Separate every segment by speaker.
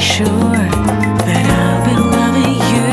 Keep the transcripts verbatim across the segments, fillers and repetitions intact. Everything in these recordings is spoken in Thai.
Speaker 1: sure that I'll be loving you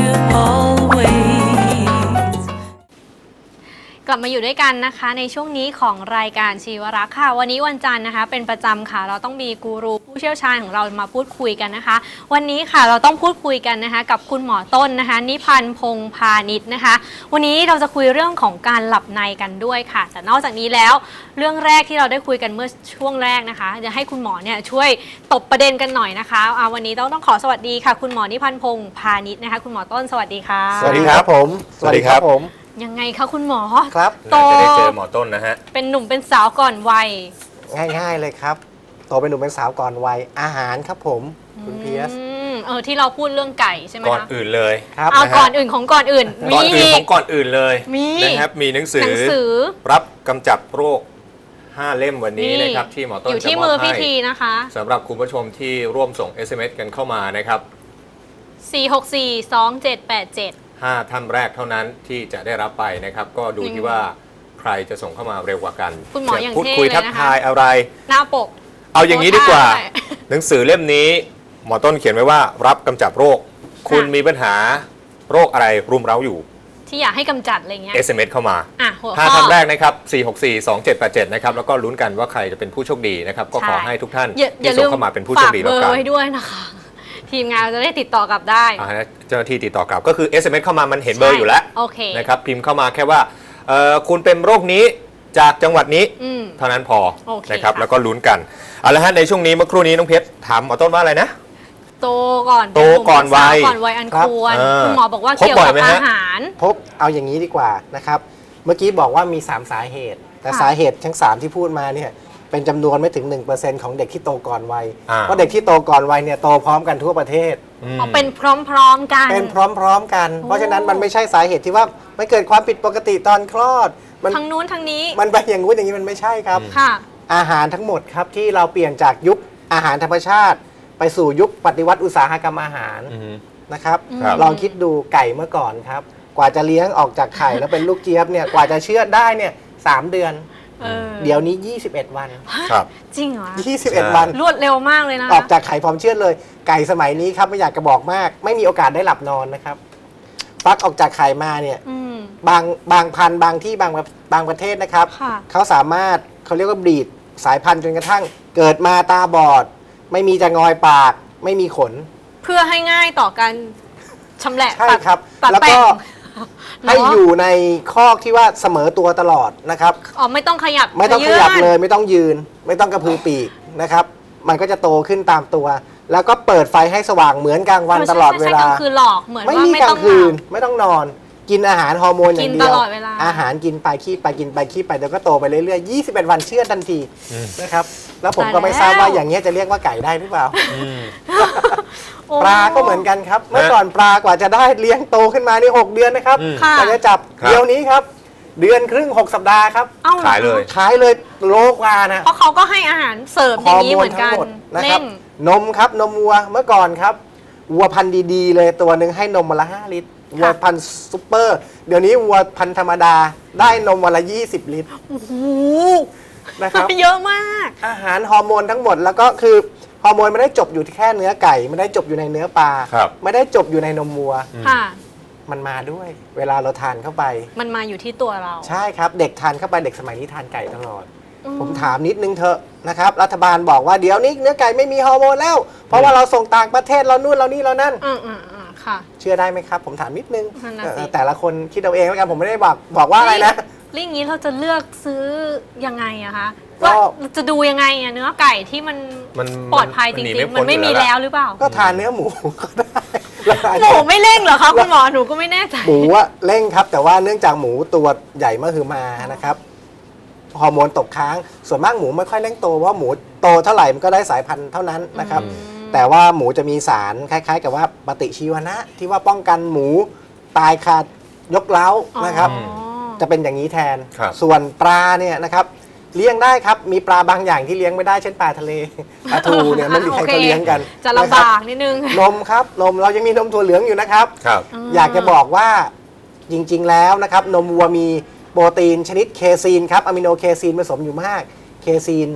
Speaker 1: always
Speaker 2: กลับมาอยู่ด้วยกันนะคะในช่วงนี้ของรายการชีวรักษ์ค่ะวันนี้วันจันทร์นะคะเป็นประจำค่ะเราต้องมีกูรูผู้เชี่ยวชาญของเรามาพูดคุยกันนะคะวันนี้ค่ะเราต้องพูดคุยกันนะคะกับคุณหมอต้นนะคะนิพันธ์พงษ์พาณิชย์นะคะวันนี้เราจะคุยเรื่องของการหลับในกันด้วยค่ะแต่นอกจากนี้แล้วเรื่องแรกที่เราได้คุยกันเมื่อช่วงแรกนะคะจะให้คุณหมอเนี่ยช่วยตบประเด็นกันหน่อยนะคะอ่าวันนี้ต้องต้องขอสวัสดีค่ะคุณหมอนิพันธ์พงษ์พาณิชย์นะคะคุณหมอต้นสวัสดีค่ะ
Speaker 3: สวัสดีครับผมสวัสดีครับผม
Speaker 2: ยังไงคะคุณหมอ
Speaker 3: ครับ
Speaker 2: โต
Speaker 4: จะได้เจอหมอต้นนะฮะ
Speaker 2: เป็นหนุ่มเป็นสาวก่อนวัย
Speaker 3: ง่ายๆเลยครับโตเป็นหนุ่มเป็นสาวก่อนวัยอาหารครับผมคุณเพียส
Speaker 2: อืมเออที่เราพูดเรื่องไก่ใช่ไหมคะ
Speaker 4: ก่อนอื่นเลย
Speaker 3: ครับ
Speaker 2: เอา
Speaker 4: นะฮะ
Speaker 2: ก่อนอื่นของก่อนอื่น
Speaker 4: ก่อนอื่น
Speaker 2: มี
Speaker 4: ของก่อนอื่นเลย
Speaker 2: มี
Speaker 4: นะครับมีหนังสื
Speaker 2: หนั
Speaker 4: อง
Speaker 2: สือ
Speaker 4: รับกำจัดโรคห้าเล่มวันนี้นะครับที่หมอต้น
Speaker 2: อยู่
Speaker 4: จะ
Speaker 2: ที่
Speaker 4: ม
Speaker 2: มื
Speaker 4: อ
Speaker 2: อบ
Speaker 4: ให้
Speaker 2: พิธีนะคะ
Speaker 4: สำหรับคุณผู้ชมที่ร่วมส่ง เอส เอ็ม เอส กันเข้ามานะครับ
Speaker 2: สี่ หก สี่ สอง เจ็ด แปด เจ็ด
Speaker 4: ห้าท่านแรกเท่านั้นที่จะได้รับไปนะครับก็ดูที่ว่าใครจะส่งเข้ามาเร็วกว่ากัน
Speaker 2: คุณหมออย่าง
Speaker 4: พูด
Speaker 2: เท่
Speaker 4: คุย
Speaker 2: เลย
Speaker 4: ทัก
Speaker 2: นะคะ
Speaker 4: ทายอะไร
Speaker 2: หน้าปก
Speaker 4: เอาอย่างนี้ดีกว่า
Speaker 2: โพสต์ได้
Speaker 4: หนังสือเล่มนี้หมอต้นเขียนไว้ว่ารับกำจัดโรค คุณมีปัญหาโรคอะไรรุมเร้าอยู่
Speaker 2: ที่อยากให้กำจัดอะไรเงี้ย
Speaker 4: เอส เอ็ม เอส เข้ามา
Speaker 2: อ่ะหัว
Speaker 4: ห้า
Speaker 2: ข้อ
Speaker 4: ท่านแรกนะครับ สี่ หก สี่ สอง เจ็ด แปด เจ็ด นะครับ แล้วก็ลุ้นกันว่าใครจะเป็นผู้โชคดีนะครับ ก็ขอ
Speaker 2: ใช่
Speaker 4: ให้ทุกท่าน
Speaker 2: อย่าอย่า
Speaker 4: ที่
Speaker 2: ลื
Speaker 4: ส่ง
Speaker 2: ม
Speaker 4: เข้ามาเป็นผู้โชคดี
Speaker 2: ฝาก
Speaker 4: แล้
Speaker 2: เบ
Speaker 4: ว
Speaker 2: อ
Speaker 4: กัน
Speaker 2: ร์ไว้ด้วยนะคะ ทีมงานจะได้ติดต่อกลับได้
Speaker 4: อ่าฮะเจ้าหน้าที่ติดต่อกลับก็คือ เอส เอ็ม เอส เข้ามามันเห็นเบอร์อยู่แล้ว
Speaker 2: โอเค
Speaker 4: นะครับพิมพ์เข้ามาแค่ว่าเอ่อคุณเป็นโรคนี้จากจังหวัดนี้
Speaker 2: อืม
Speaker 4: เท่านั้นพอ
Speaker 2: โอเค
Speaker 4: นะครับ
Speaker 2: ค่ะ
Speaker 4: แล้วก็ลุ้นกันเอาละฮะในช่วงนี้เมื่อครู่นี้น้องเพชรถามหมอต้นว่าอะไรนะ
Speaker 2: โตก่อน
Speaker 4: โตก่อนวัย
Speaker 2: ก่อนวัยอันควร
Speaker 4: เออ
Speaker 2: คุณหมอบอกว่า
Speaker 4: พบ
Speaker 2: เกี่ยว
Speaker 4: บ่อย
Speaker 2: กับ
Speaker 4: ไหม
Speaker 2: อา
Speaker 4: ฮะ
Speaker 2: หาร
Speaker 3: พบเอาอย่างนี้ดีกว่านะครับเมื่อกี้บอกว่ามีสามสาเหตุ แต่
Speaker 2: ค่ะ
Speaker 3: สาเหตุทั้งสามที่พูดมาเนี่ยเป็นจำนวนไม่ถึง หนึ่งเปอร์เซ็นต์ ของเด็กที่โตก่อนวัย
Speaker 4: อ่า
Speaker 3: เพราะเด็กที่โตก่อนวัยเนี่ยโตพร้อมกันทั่วประเทศ
Speaker 4: อืม
Speaker 2: เอาเป็นพร้อมๆกัน
Speaker 3: เป็นพร้อมๆกัน
Speaker 2: โอ้
Speaker 3: เพราะฉะนั้นมันไม่ใช่สาเหตุที่ว่าไม่เกิดความผิดปกติตอนคลอดมัน
Speaker 2: ทั้งนู้นทั้งนี้
Speaker 3: มันไปอย่างงู้นอย่างนี้มันไม่ใช่ครับ
Speaker 2: ค่ะ
Speaker 3: อาหารทั้งหมดครับที่เราเปลี่ยนจากยุคอาหารธรรมชาติ ไปสู่ยุคปฏิวัติอุตสาหกรรมอาหาร
Speaker 4: อืม
Speaker 3: นะครับ
Speaker 4: ครับ
Speaker 3: ลองคิดดูไก่เมื่อก่อนครับ กว่าจะเลี้ยงออกจากไข่แล้วเป็นลูกเจี๊ยบเนี่ยกว่าจะเชื่อดได้เนี่ยสามเดือน
Speaker 2: เออ
Speaker 3: เดี๋ยวนี้ ยี่สิบเอ็ด วัน
Speaker 4: ครับ
Speaker 2: จริงเหรอ
Speaker 3: ยี่สิบเอ็ด
Speaker 4: ใช่
Speaker 3: วัน
Speaker 2: รวดเร็วมากเลยนะ
Speaker 3: ออกจากไข่พร้อมเชื่อดเลย ไก่สมัยนี้ครับไม่อยากจะบอกมาก ไม่มีโอกาสได้หลับนอนนะครับฟักออกจากไข่มาเนี่ย
Speaker 2: อืม
Speaker 3: บางบางพันธุ์บางที่บางบางประเทศนะครับ
Speaker 2: ค่ะ
Speaker 3: เขาสามารถเขาเรียกว่าบรีดสายพันธุ์จนกระทั่ง เกิดมาตาบอด ไม่มีจะงอยปาก ไม่มีขน
Speaker 2: เพื่อให้ง่ายต่อการชำแหละ
Speaker 3: ใช่
Speaker 2: ตัด
Speaker 3: ครับ
Speaker 2: ตัด
Speaker 3: แล้ว
Speaker 2: แป้
Speaker 3: ก็
Speaker 2: ง
Speaker 3: ให้
Speaker 2: เนะ
Speaker 3: อยู่ในคอกที่ว่าเสมอตัวตลอดนะครับ
Speaker 2: อ๋อไม่ต้องขยับ
Speaker 3: ไม่ต้องข
Speaker 2: ยื่น
Speaker 3: ยับเลยไม่ต้องยืน ไม่ต้องกระพือปีกนะครับ มันก็จะโตขึ้นตามตัว แล้วก็เปิดไฟให้สว่างเหมือนกลางวันตลอดเวลา
Speaker 2: ใช่ๆๆคือหลอกเหมือน
Speaker 3: ไม่
Speaker 2: ว่า
Speaker 3: มี
Speaker 2: ไม่
Speaker 3: กลา
Speaker 2: ต้อง ง
Speaker 3: คืน
Speaker 2: หลับ
Speaker 3: ไม่ต้องนอน กินอาหารฮอร์โมนอย่างเดียว
Speaker 2: กินตลอดเวลา
Speaker 3: อาหารกินไปขี้ไปกินไปขี้ไปเดี๋ยวก็โตไปเรื่อยๆยี่สิบเอ็ดวันเชื่อทันทีนะครับแล้วผมก็ไม่ทราบว่าอย่างเงี้ยจะเรียกว่าไก่ได้หรือเปล่า
Speaker 2: โอ้
Speaker 3: ปลาก็เหมือนกันครับ เมื่อก่อนปลากว่าจะได้เลี้ยงโตขึ้นมานี่หกเดือนนะครับ
Speaker 4: อืม
Speaker 2: ค่ะ
Speaker 3: กว่าจะจับ
Speaker 4: ครับ
Speaker 3: เดี๋ยวนี้ครับ เดือนครึ่งหกสัปดาห์ครับ
Speaker 2: เอ้าหรอ
Speaker 4: ขายเลย
Speaker 3: ขายเลยโลกว่านะ
Speaker 2: เพราะเขาก็ให้อาหารเสริมอ
Speaker 3: ฮ
Speaker 2: ย่า
Speaker 3: อง ร์
Speaker 2: นี้
Speaker 3: โม
Speaker 2: เห
Speaker 3: น
Speaker 2: มือน
Speaker 3: ทั้
Speaker 2: กั
Speaker 3: ง
Speaker 2: น
Speaker 3: หมดนะค
Speaker 2: เร่
Speaker 3: รับ
Speaker 2: ง
Speaker 3: นมครับนมวัวเมื่อก่อนครับวัวพันธุ์ดีๆ เลยตัวหนึ่งให้นมวันละห้าลิตรวัวพันธุ์ซุปเปอร์ เดี๋ยวนี้วัวพันธุ์ธรรมดาได้นมวันละยี่สิบลิตร
Speaker 2: โอ้โห
Speaker 3: นะครับ
Speaker 2: เยอะมาก
Speaker 3: อาหารฮอร์โมนทั้งหมดแล้วก็คือฮอร์โมนไม่ได้จบอยู่ที่แค่เนื้อไก่ไม่ได้จบอยู่ในเนื้อปลา
Speaker 4: ครับ
Speaker 3: ไม่ได้จบอยู่ในนมวัว
Speaker 2: ค่ะ
Speaker 3: มันมาด้วย เวลาเราทานเข้าไป
Speaker 2: มันมาอยู่ที่ตัวเรา
Speaker 3: ใช่ครับเด็กทานเข้าไปเด็กสมัยนี้ทานไก่ตลอด
Speaker 2: อื
Speaker 3: ผมถามนิดนึงเถอะนะครับรัฐบาลบอกว่าเดี๋ยวนี้เนื้อไก่ไม่มีฮอร์โมนแล้ว เพราะว่าเราส่งต่างประเทศเรานู่นเรานี่เรานั่น
Speaker 2: อืมอืมอืมค่ะ
Speaker 3: เชื่อได้ไหมครับ ผมถามนิดนึง
Speaker 2: นั่นน่ะ
Speaker 3: เออ
Speaker 2: สิ
Speaker 3: แต่ละคนคิดเอาเองแล้วกันผมไม่ได้บอกบอกว่าอะไรนะ
Speaker 2: แล้วอย่างนี้เราจะเลือกซื้อยังไงอะคะ
Speaker 3: ก็
Speaker 2: ว่าจะดูยังไงอะเนื้อไก่ที่มัน
Speaker 4: มัน
Speaker 2: ปลอดภัยจ
Speaker 4: ห
Speaker 2: ริง
Speaker 4: พ้
Speaker 2: ๆ มันไม่มี
Speaker 4: อยู่
Speaker 2: แล้วหรือเปล่า
Speaker 3: ก็ทานเนื้อหมูก็ได้แล้วอาจ
Speaker 2: ห
Speaker 3: จะ
Speaker 2: มูไม่เร่งเหรอคะคุณหมอหนูก็ไม่แน่ใจ
Speaker 3: หมูอะเร่งครับ แต่ว่าเนื่องจากหมูตัวใหญ่มากคือมานะครับฮอร์โมนตกค้างส่วนมากหมูไม่ค่อยเร่งโตเพราะหมูโตเท่าไหร่มันก็ได้สายพันธุ์เท่านั้นนะครับ
Speaker 2: อืม
Speaker 3: แต่ว่าหมูจะมีสารคล้าย ๆ กับว่าปฏิชีวนะ ที่ว่าป้องกันหมูตายขาดยกเล้านะครับ
Speaker 2: อ๋อ
Speaker 3: จะเป็นอย่างนี้แทน
Speaker 4: ครับ
Speaker 3: ส่วนปลาเนี่ยนะครับเลี้ยงได้ครับ มีปลาบางอย่างที่เลี้ยงไม่ได้เช่นปลาทะเลปลาทูเนี่ยไม่มีใครเขาเลี้ยงกัน
Speaker 2: จะลำบากนิดนึง
Speaker 3: นมครับนมเรายังมีนมถั่วเหลืองอยู่นะครับ
Speaker 4: ครับ
Speaker 3: อยากจะบอกว่าจริงๆแล้วนะครับนมวัวมีโปรตีนชนิดเคซีนครับอะมิโนเคซีนผสมอยู่มากเคซีน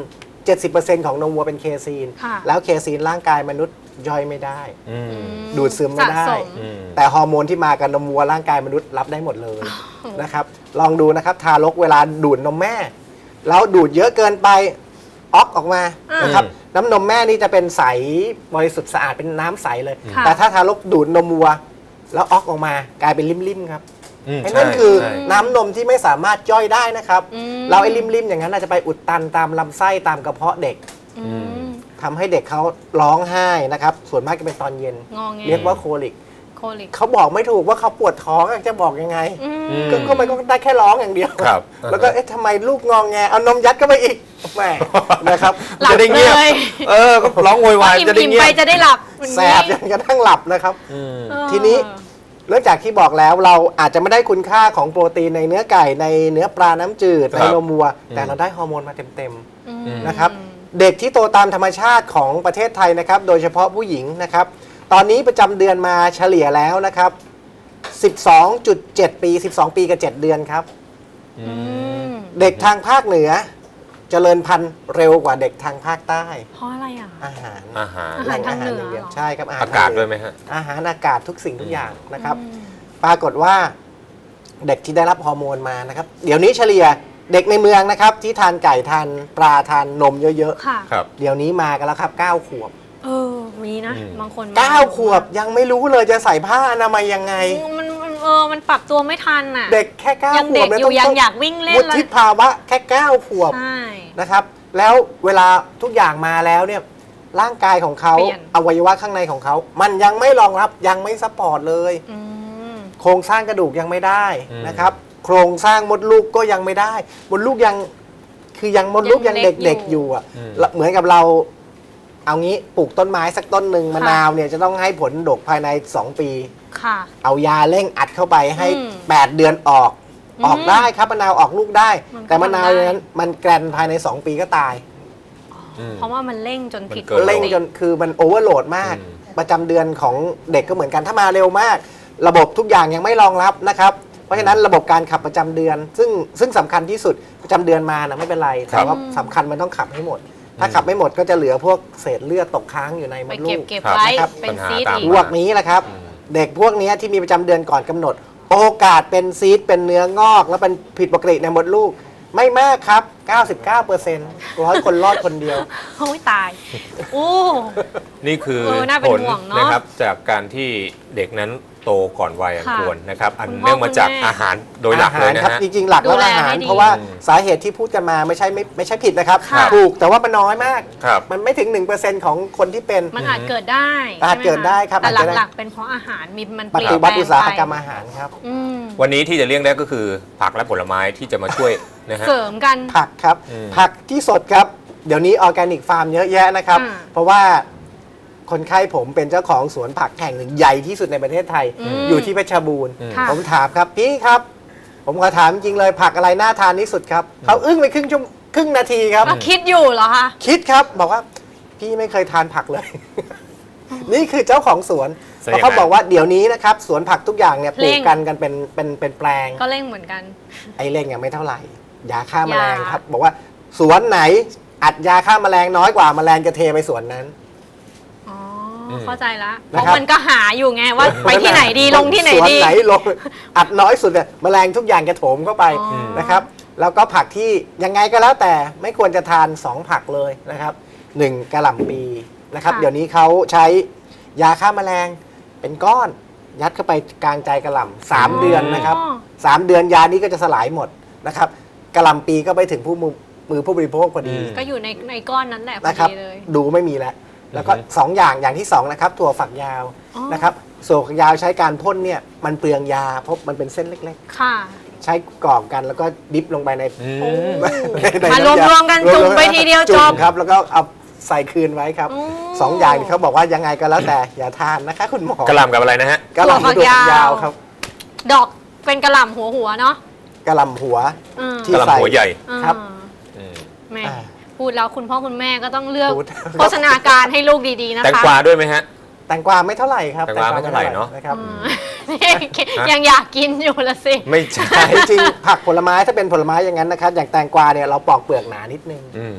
Speaker 3: เจ็ดสิบเปอร์เซ็นต์ ของนมวัวเป็นเคซีน
Speaker 2: ค่ะ
Speaker 3: แล้วเคซีนร่างกายมนุษย์ย่อยไม่ได้
Speaker 4: อืม
Speaker 2: อืม
Speaker 3: ดูดซึมไม่ได้
Speaker 2: สะสม
Speaker 4: อืม
Speaker 3: แต่ฮอร์โมนที่มากับนมวัวร่างกายมนุษย์รับได้หมดเลยนะครับลองดูนะครับทารกเวลาดูดนมแม่แล้วดูดเยอะเกินไปออกออกมา
Speaker 2: อืม
Speaker 3: นะครับน้ำนมแม่นี่จะเป็นใสบริสุทธิ์สะอาดเป็นน้ำใสเลย
Speaker 2: ค่ะ
Speaker 3: แต่ถ้าทารกดูดนมวัวแล้วออกออกมากลายเป็นริ่มๆครับ
Speaker 4: อืม
Speaker 3: ไอ้นั่น
Speaker 4: ใช่
Speaker 3: คือ
Speaker 4: ใช่
Speaker 3: น้ำนมที่ไม่สามารถย่อยได้นะครับ
Speaker 2: อืม
Speaker 3: เราไอ้ริมๆอย่างนั้นอาจจะไปอุดตันตามลำไส้ตามกระเพาะเด็ก
Speaker 2: อืม
Speaker 3: ทำให้เด็กเขาร้องไห้นะครับส่วนมากจะเป็นตอนเย็น
Speaker 2: งอแง
Speaker 3: เรียกว่าโคลิก
Speaker 2: โคลิก
Speaker 3: เขาบอกไม่ถูกว่าเขาปวดท้องอะจะบอกยังไง
Speaker 2: อืม
Speaker 4: อืม
Speaker 3: ก็ก็มันก็ได้แค่ร้องอย่างเดียว
Speaker 4: ครับ
Speaker 3: แล้วก็เอ๊ะทำไมลูกงองแงเอานมยัดเข้าไปอีกแหมนะครับ
Speaker 2: หลับ
Speaker 4: จะได้เงียบ
Speaker 2: เลย
Speaker 4: เออก็ร้องโวยวาย
Speaker 2: อิ่ม
Speaker 4: จะได้
Speaker 2: อิ่ม
Speaker 4: เงีย
Speaker 2: ไป
Speaker 4: บ
Speaker 2: จะได้หลับ
Speaker 3: แสบจนกระทั่งหลับนะครับ
Speaker 4: อืม
Speaker 2: เออ
Speaker 3: ทีนี้ เนื่องจากที่บอกแล้วเราอาจจะไม่ได้คุณค่าของโปรตีนในเนื้อไก่ในเนื้อปลาน้ำจืด
Speaker 4: ครับ
Speaker 3: ในนมวัว
Speaker 4: อืม
Speaker 3: แต่เราได้ฮอร์โมนมาเต็ม
Speaker 2: อืม
Speaker 3: ๆนะครับเด็กที่โตตามธรรมชาติของประเทศไทยนะครับโดยเฉพาะผู้หญิงนะครับตอนนี้ประจำเดือนมาเฉลี่ยแล้วนะครับ สิบสองจุดเจ็ด ปี สิบสอง ปีกับ เจ็ด เดือนครับ
Speaker 4: อืม
Speaker 2: อืม
Speaker 3: เด็กทางภาคเหนือเจริญพันธุ์เร็วกว่าเด็กทางภาคใต้
Speaker 2: เพราะอะไรอ่ะ
Speaker 3: อาหาร
Speaker 4: อาหาร
Speaker 2: อาหารทางเหนือ
Speaker 3: แล่ย่ดียว
Speaker 2: เหรอ
Speaker 3: ใช่ครับอาหาร
Speaker 4: อากาศ
Speaker 3: ทงเหนื
Speaker 4: ด้วยไหมฮะ
Speaker 3: อาหารอากาศทุกสิ่งทุกอย่างนะครับ
Speaker 2: อืม
Speaker 3: ปรากฏว่าเด็กที่ได้รับฮอร์โมนมานะครับ เดี๋ยวนี้เฉลี่ยเด็กในเมืองนะครับ ที่ทานไก่ทานปลาทานนมเยอะ
Speaker 2: ค่ะ
Speaker 4: ครับ
Speaker 3: ๆ เดี๋ยวนี้มากันแล้วครับเก้าขวบ
Speaker 2: เออ มีนะ
Speaker 4: อืม
Speaker 2: บางคน
Speaker 3: เก้าขวบยังไม่รู้เลยจะใส่ผ้าอนามัยยังไง
Speaker 2: มันมันเออ มันปรับตัวไม่ทันอ่ะ
Speaker 3: เด็กแค่เก้า
Speaker 2: ยัง
Speaker 3: ข
Speaker 2: เด็
Speaker 3: ว
Speaker 2: ก
Speaker 3: บ
Speaker 2: อยู่ยัง
Speaker 3: ต้
Speaker 2: อยากวิ่งเล่น
Speaker 3: วุ
Speaker 2: เลย
Speaker 3: ฒิภาวะแค่เก้าขวบ
Speaker 2: ใช่
Speaker 3: นะครับ แล้วเวลาทุกอย่างมาแล้วเนี่ยร่างกายของเขา
Speaker 2: เปลี่ยน
Speaker 3: อวัยวะข้างในของเขา มันยังไม่รองรับยังไม่ซัพพอร์ตเลย
Speaker 2: อืม
Speaker 3: โครงสร้างกระดูกยังไม่ได้
Speaker 4: อืม
Speaker 3: นะครับ โครงสร้างมดลูกก็ยังไม่ได้ มดลูกยังคือยังมดลูก
Speaker 2: ยั
Speaker 3: ยัง ง
Speaker 2: เล็ก
Speaker 3: เด็ก
Speaker 2: อ
Speaker 3: ๆอยู่ ยู่อ่ะ
Speaker 4: อืม
Speaker 3: แล้วเหมือนกับเรา เอางี้ปลูกต้นไม้สักต้นหนึ่งมะนาวเนี่ยจะต้องให้ผลดกภายใน สอง ปี
Speaker 2: ค่ะ
Speaker 3: เอายาเร่งอัดเข้าไปให้
Speaker 2: อืม
Speaker 3: แปด เดือนออก
Speaker 2: อืม
Speaker 3: ออกได้ครับมะนาวออกลูกได้
Speaker 2: มันก็
Speaker 3: แต่มะนาว
Speaker 2: ทำได้
Speaker 3: นั้นมันแกรนภายใน สอง ปีก็ตาย
Speaker 4: อืม
Speaker 2: เพราะว่ามันเร่งจนผิด
Speaker 4: มันเกิน
Speaker 3: เร่งจนคือมันโอเวอร์โหลดมาก
Speaker 4: อืม
Speaker 3: ประจำเดือนของเด็กก็เหมือนกันถ้ามาเร็วมาก ระบบทุกอย่างยังไม่รองรับนะครับ เพราะฉะนั้นระบบการขับประจำเดือน ซึ่งซึ่งสำคัญที่สุดประจำเดือนมานะไม่เป็นไร
Speaker 4: ครั
Speaker 3: แต่
Speaker 4: บ
Speaker 3: ว่าสำคัญมันต้องขับให้หมด ถ้าขับไม่หมดก็จะเหลือพวกเศษเลือดตกค้างอยู่ในม
Speaker 2: ไป
Speaker 3: ดลู
Speaker 2: เก็บ
Speaker 3: ก
Speaker 2: เก็บ
Speaker 4: ครับ
Speaker 2: ไว้
Speaker 3: นะครับ
Speaker 2: เป็น
Speaker 4: ปัญหา
Speaker 2: ซีด
Speaker 4: ตาม
Speaker 2: อีก
Speaker 3: พวกนี้แหละครับ
Speaker 4: อืม
Speaker 3: เด็กพวกนี้ที่มีประจำเดือนก่อนกำหนด โอกาสเป็นซีดเป็นเนื้องอก แล้วเป็นผิดปกติในมดลูก ไม่มากครับ เก้าสิบเก้าเปอร์เซ็นต์ ร้อยคนรอดคนเดียว
Speaker 2: โอ้ยตาย โอ้
Speaker 4: นี่คือ
Speaker 2: เออน่าเป็น
Speaker 4: ผล
Speaker 2: ห่วงเนอะ
Speaker 4: นะครับจากการที่เด็กนั้นโตก่อนวัยอัน
Speaker 2: ค่ะ
Speaker 4: ควรนะครับ อัน
Speaker 2: คุณพ่อ
Speaker 4: เนื่องมาจาก
Speaker 2: คุณแม่
Speaker 4: อาหารโดยหลักเลยนะ
Speaker 3: อาหารครับ
Speaker 4: ฮะ
Speaker 3: จริงๆ หลักแล้ว
Speaker 2: ดูแล
Speaker 3: อาหาร
Speaker 2: ให้ดี
Speaker 3: เพราะว่าสาเหตุที่พูดกันมาไม่ใช่ไม่ไม่ใช่ผิดนะครับ
Speaker 2: ค่ะ
Speaker 3: ถูกแต่ว่ามันน้อยมาก
Speaker 4: ครับ
Speaker 3: มันไม่ถึง หนึ่งเปอร์เซ็นต์ ของคนที่เป็น
Speaker 2: มันอาจเกิดได้
Speaker 3: อาจเกิดได้ครับ
Speaker 2: แต่
Speaker 3: อาจจะได้
Speaker 2: หลักๆเป็นเพราะอาหารมีมัน
Speaker 3: ป
Speaker 2: เปลี่ย
Speaker 3: ฏิ
Speaker 2: น
Speaker 3: วัติอุตสาหกรรม
Speaker 2: ไป
Speaker 3: อาหารครับ
Speaker 2: อืม
Speaker 4: วันนี้ที่จะเลี่ยงได้ก็คือผักและผลไม้ที่จะมาช่วยนะฮะ
Speaker 2: เสริมกัน
Speaker 3: ผักครับ
Speaker 4: อืม
Speaker 3: ผักที่สดครับ เดี๋ยวนี้ออร์แกนิกฟาร์มเยอะแยะนะครับ
Speaker 2: อ่า
Speaker 3: เพราะว่าคนไข้ผมเป็นเจ้าของสวนผักแห่งหนึ่งใหญ่ที่สุดในประเทศไทย
Speaker 2: อืม
Speaker 3: อยู่ที่เพชรบูรณ์
Speaker 4: อืม
Speaker 2: ค่ะ
Speaker 3: ผมถามครับพี่ครับ ผมขอถามจริงเลยผักอะไรน่าทานที่สุดครับเขาอึ้งไปครึ่งชั่วโมงครึ่งนาทีครับ
Speaker 2: เราคิดอยู่เหรอคะ
Speaker 3: คิดครับบอกว่าพี่ไม่เคยทานผักเลย นี่คือเจ้าของสวน
Speaker 4: ใช่
Speaker 3: เพราะเขา
Speaker 4: ยังไง
Speaker 3: บอกว่าเดี๋ยวนี้นะครับสวนผักทุกอย่างเนี่ยปลู
Speaker 2: เร่
Speaker 3: ก
Speaker 2: ง
Speaker 3: กันกันเป็นเป็นเป็นแปลง
Speaker 2: ก็เร่งเหมือนกัน
Speaker 3: ไอ้เร่งยังไม่เท่าไหร่ยาฆ่าแมลง
Speaker 2: ยา
Speaker 3: ครับ บอกว่าสวนไหนอัดยาฆ่าแมลงน้อยกว่าแมลงจะเทไปสวนนั้น
Speaker 2: อ๋ออ
Speaker 4: ม
Speaker 2: เข้าใจละเพ
Speaker 3: นะ
Speaker 2: ราะ
Speaker 3: ครับ
Speaker 2: มันก็หาอยู่ไงว่าไปที่ไหนดีลงที่ไหน
Speaker 3: สวน
Speaker 2: ดี
Speaker 3: ไหนลง อัดน้อยสุดเนี่ยแมลงทุกอย่างจะโถมเข้าไป
Speaker 2: อ๋อ
Speaker 3: นะครับ แล้วก็ผักที่ยังไงก็แล้วแต่ไม่ควรจะทานสองผักเลยนะครับหนึ่งกะหล่ำปีนะครับ เดี๋ยวนี้เขาใช้ยาฆ่าแมลงเป็นก้อน ยัดเข้าไปกลางใจกะหล่ำสามเดือนนะครับสามเดือนยานี้ก็จะสลายหมดนะครับกะหล่ำปีก็ไปถึงผู้มือมือผู้บริโภคพอดี
Speaker 4: อืม
Speaker 2: ก็อยู่ในในก้อนนั้นแหละพอ
Speaker 3: นะครับ
Speaker 2: ดีเลย
Speaker 3: ดูไม่มีแล้ว แล้วก็
Speaker 4: อือฮึ
Speaker 3: สองอย่างอย่างที่สองนะครับถั่วฝักยาว
Speaker 2: อ๋อ
Speaker 3: นะครับถั่วฝักยาวใช้การพ่นเนี่ยมันเปลืองยาเพราะมันเป็นเส้นเล็ก
Speaker 2: ค่ะ
Speaker 3: ๆ ใช้กรอกกันแล้วก็ดิฟลงไปใน
Speaker 4: อื
Speaker 2: โอ้
Speaker 4: ม
Speaker 3: ใน
Speaker 2: มารวม
Speaker 3: น้ำย
Speaker 2: รวมกันจุ่มไปทีเดียวจบ
Speaker 3: มครับแล้วก็เอาใส่คืนไว้ครับ
Speaker 2: โอ้
Speaker 3: สองอย่างที่เขาบอกว่ายังไงก็แล้วแต่อย่าทานนะคะคุณหมอก
Speaker 4: ระหล่ำกับอะไรนะฮะ
Speaker 3: กะหล่ำ
Speaker 2: ถั่วฝัก
Speaker 3: ถั่วฝัก
Speaker 2: ยาย
Speaker 3: าว วครับ
Speaker 2: ดอกเป็นกระหล่ำหัวหัวๆเนาะ
Speaker 3: กะหล่ำหัว
Speaker 2: อืม
Speaker 3: ที่
Speaker 4: กระหล่ำหัวใหญ่
Speaker 3: ครับ
Speaker 2: อ่า
Speaker 4: อืม
Speaker 2: แม่
Speaker 3: อ่า
Speaker 2: พูดแล้วคุณพ่อคุณแม่ก็ต้องเลือก
Speaker 3: พูด
Speaker 2: โฆษณาการให้ลูกดีๆนะคะ
Speaker 4: แตงกวาด้วยไหมฮะ
Speaker 3: แตงกวาไม่เท่าไหร่ครับ
Speaker 4: แตงกวาไม่เท่าไหร่เนอะ
Speaker 3: นะครับ
Speaker 2: อืมยังอยากกินอยู่ละสิ
Speaker 4: ไม่ใช่
Speaker 3: แต่จริงๆผักผลไม้ถ้าเป็นผลไม้อย่างนั้นนะครับอย่างแตงกวาเนี่ยเราปอกเปลือกหนานิดนึง
Speaker 4: อืม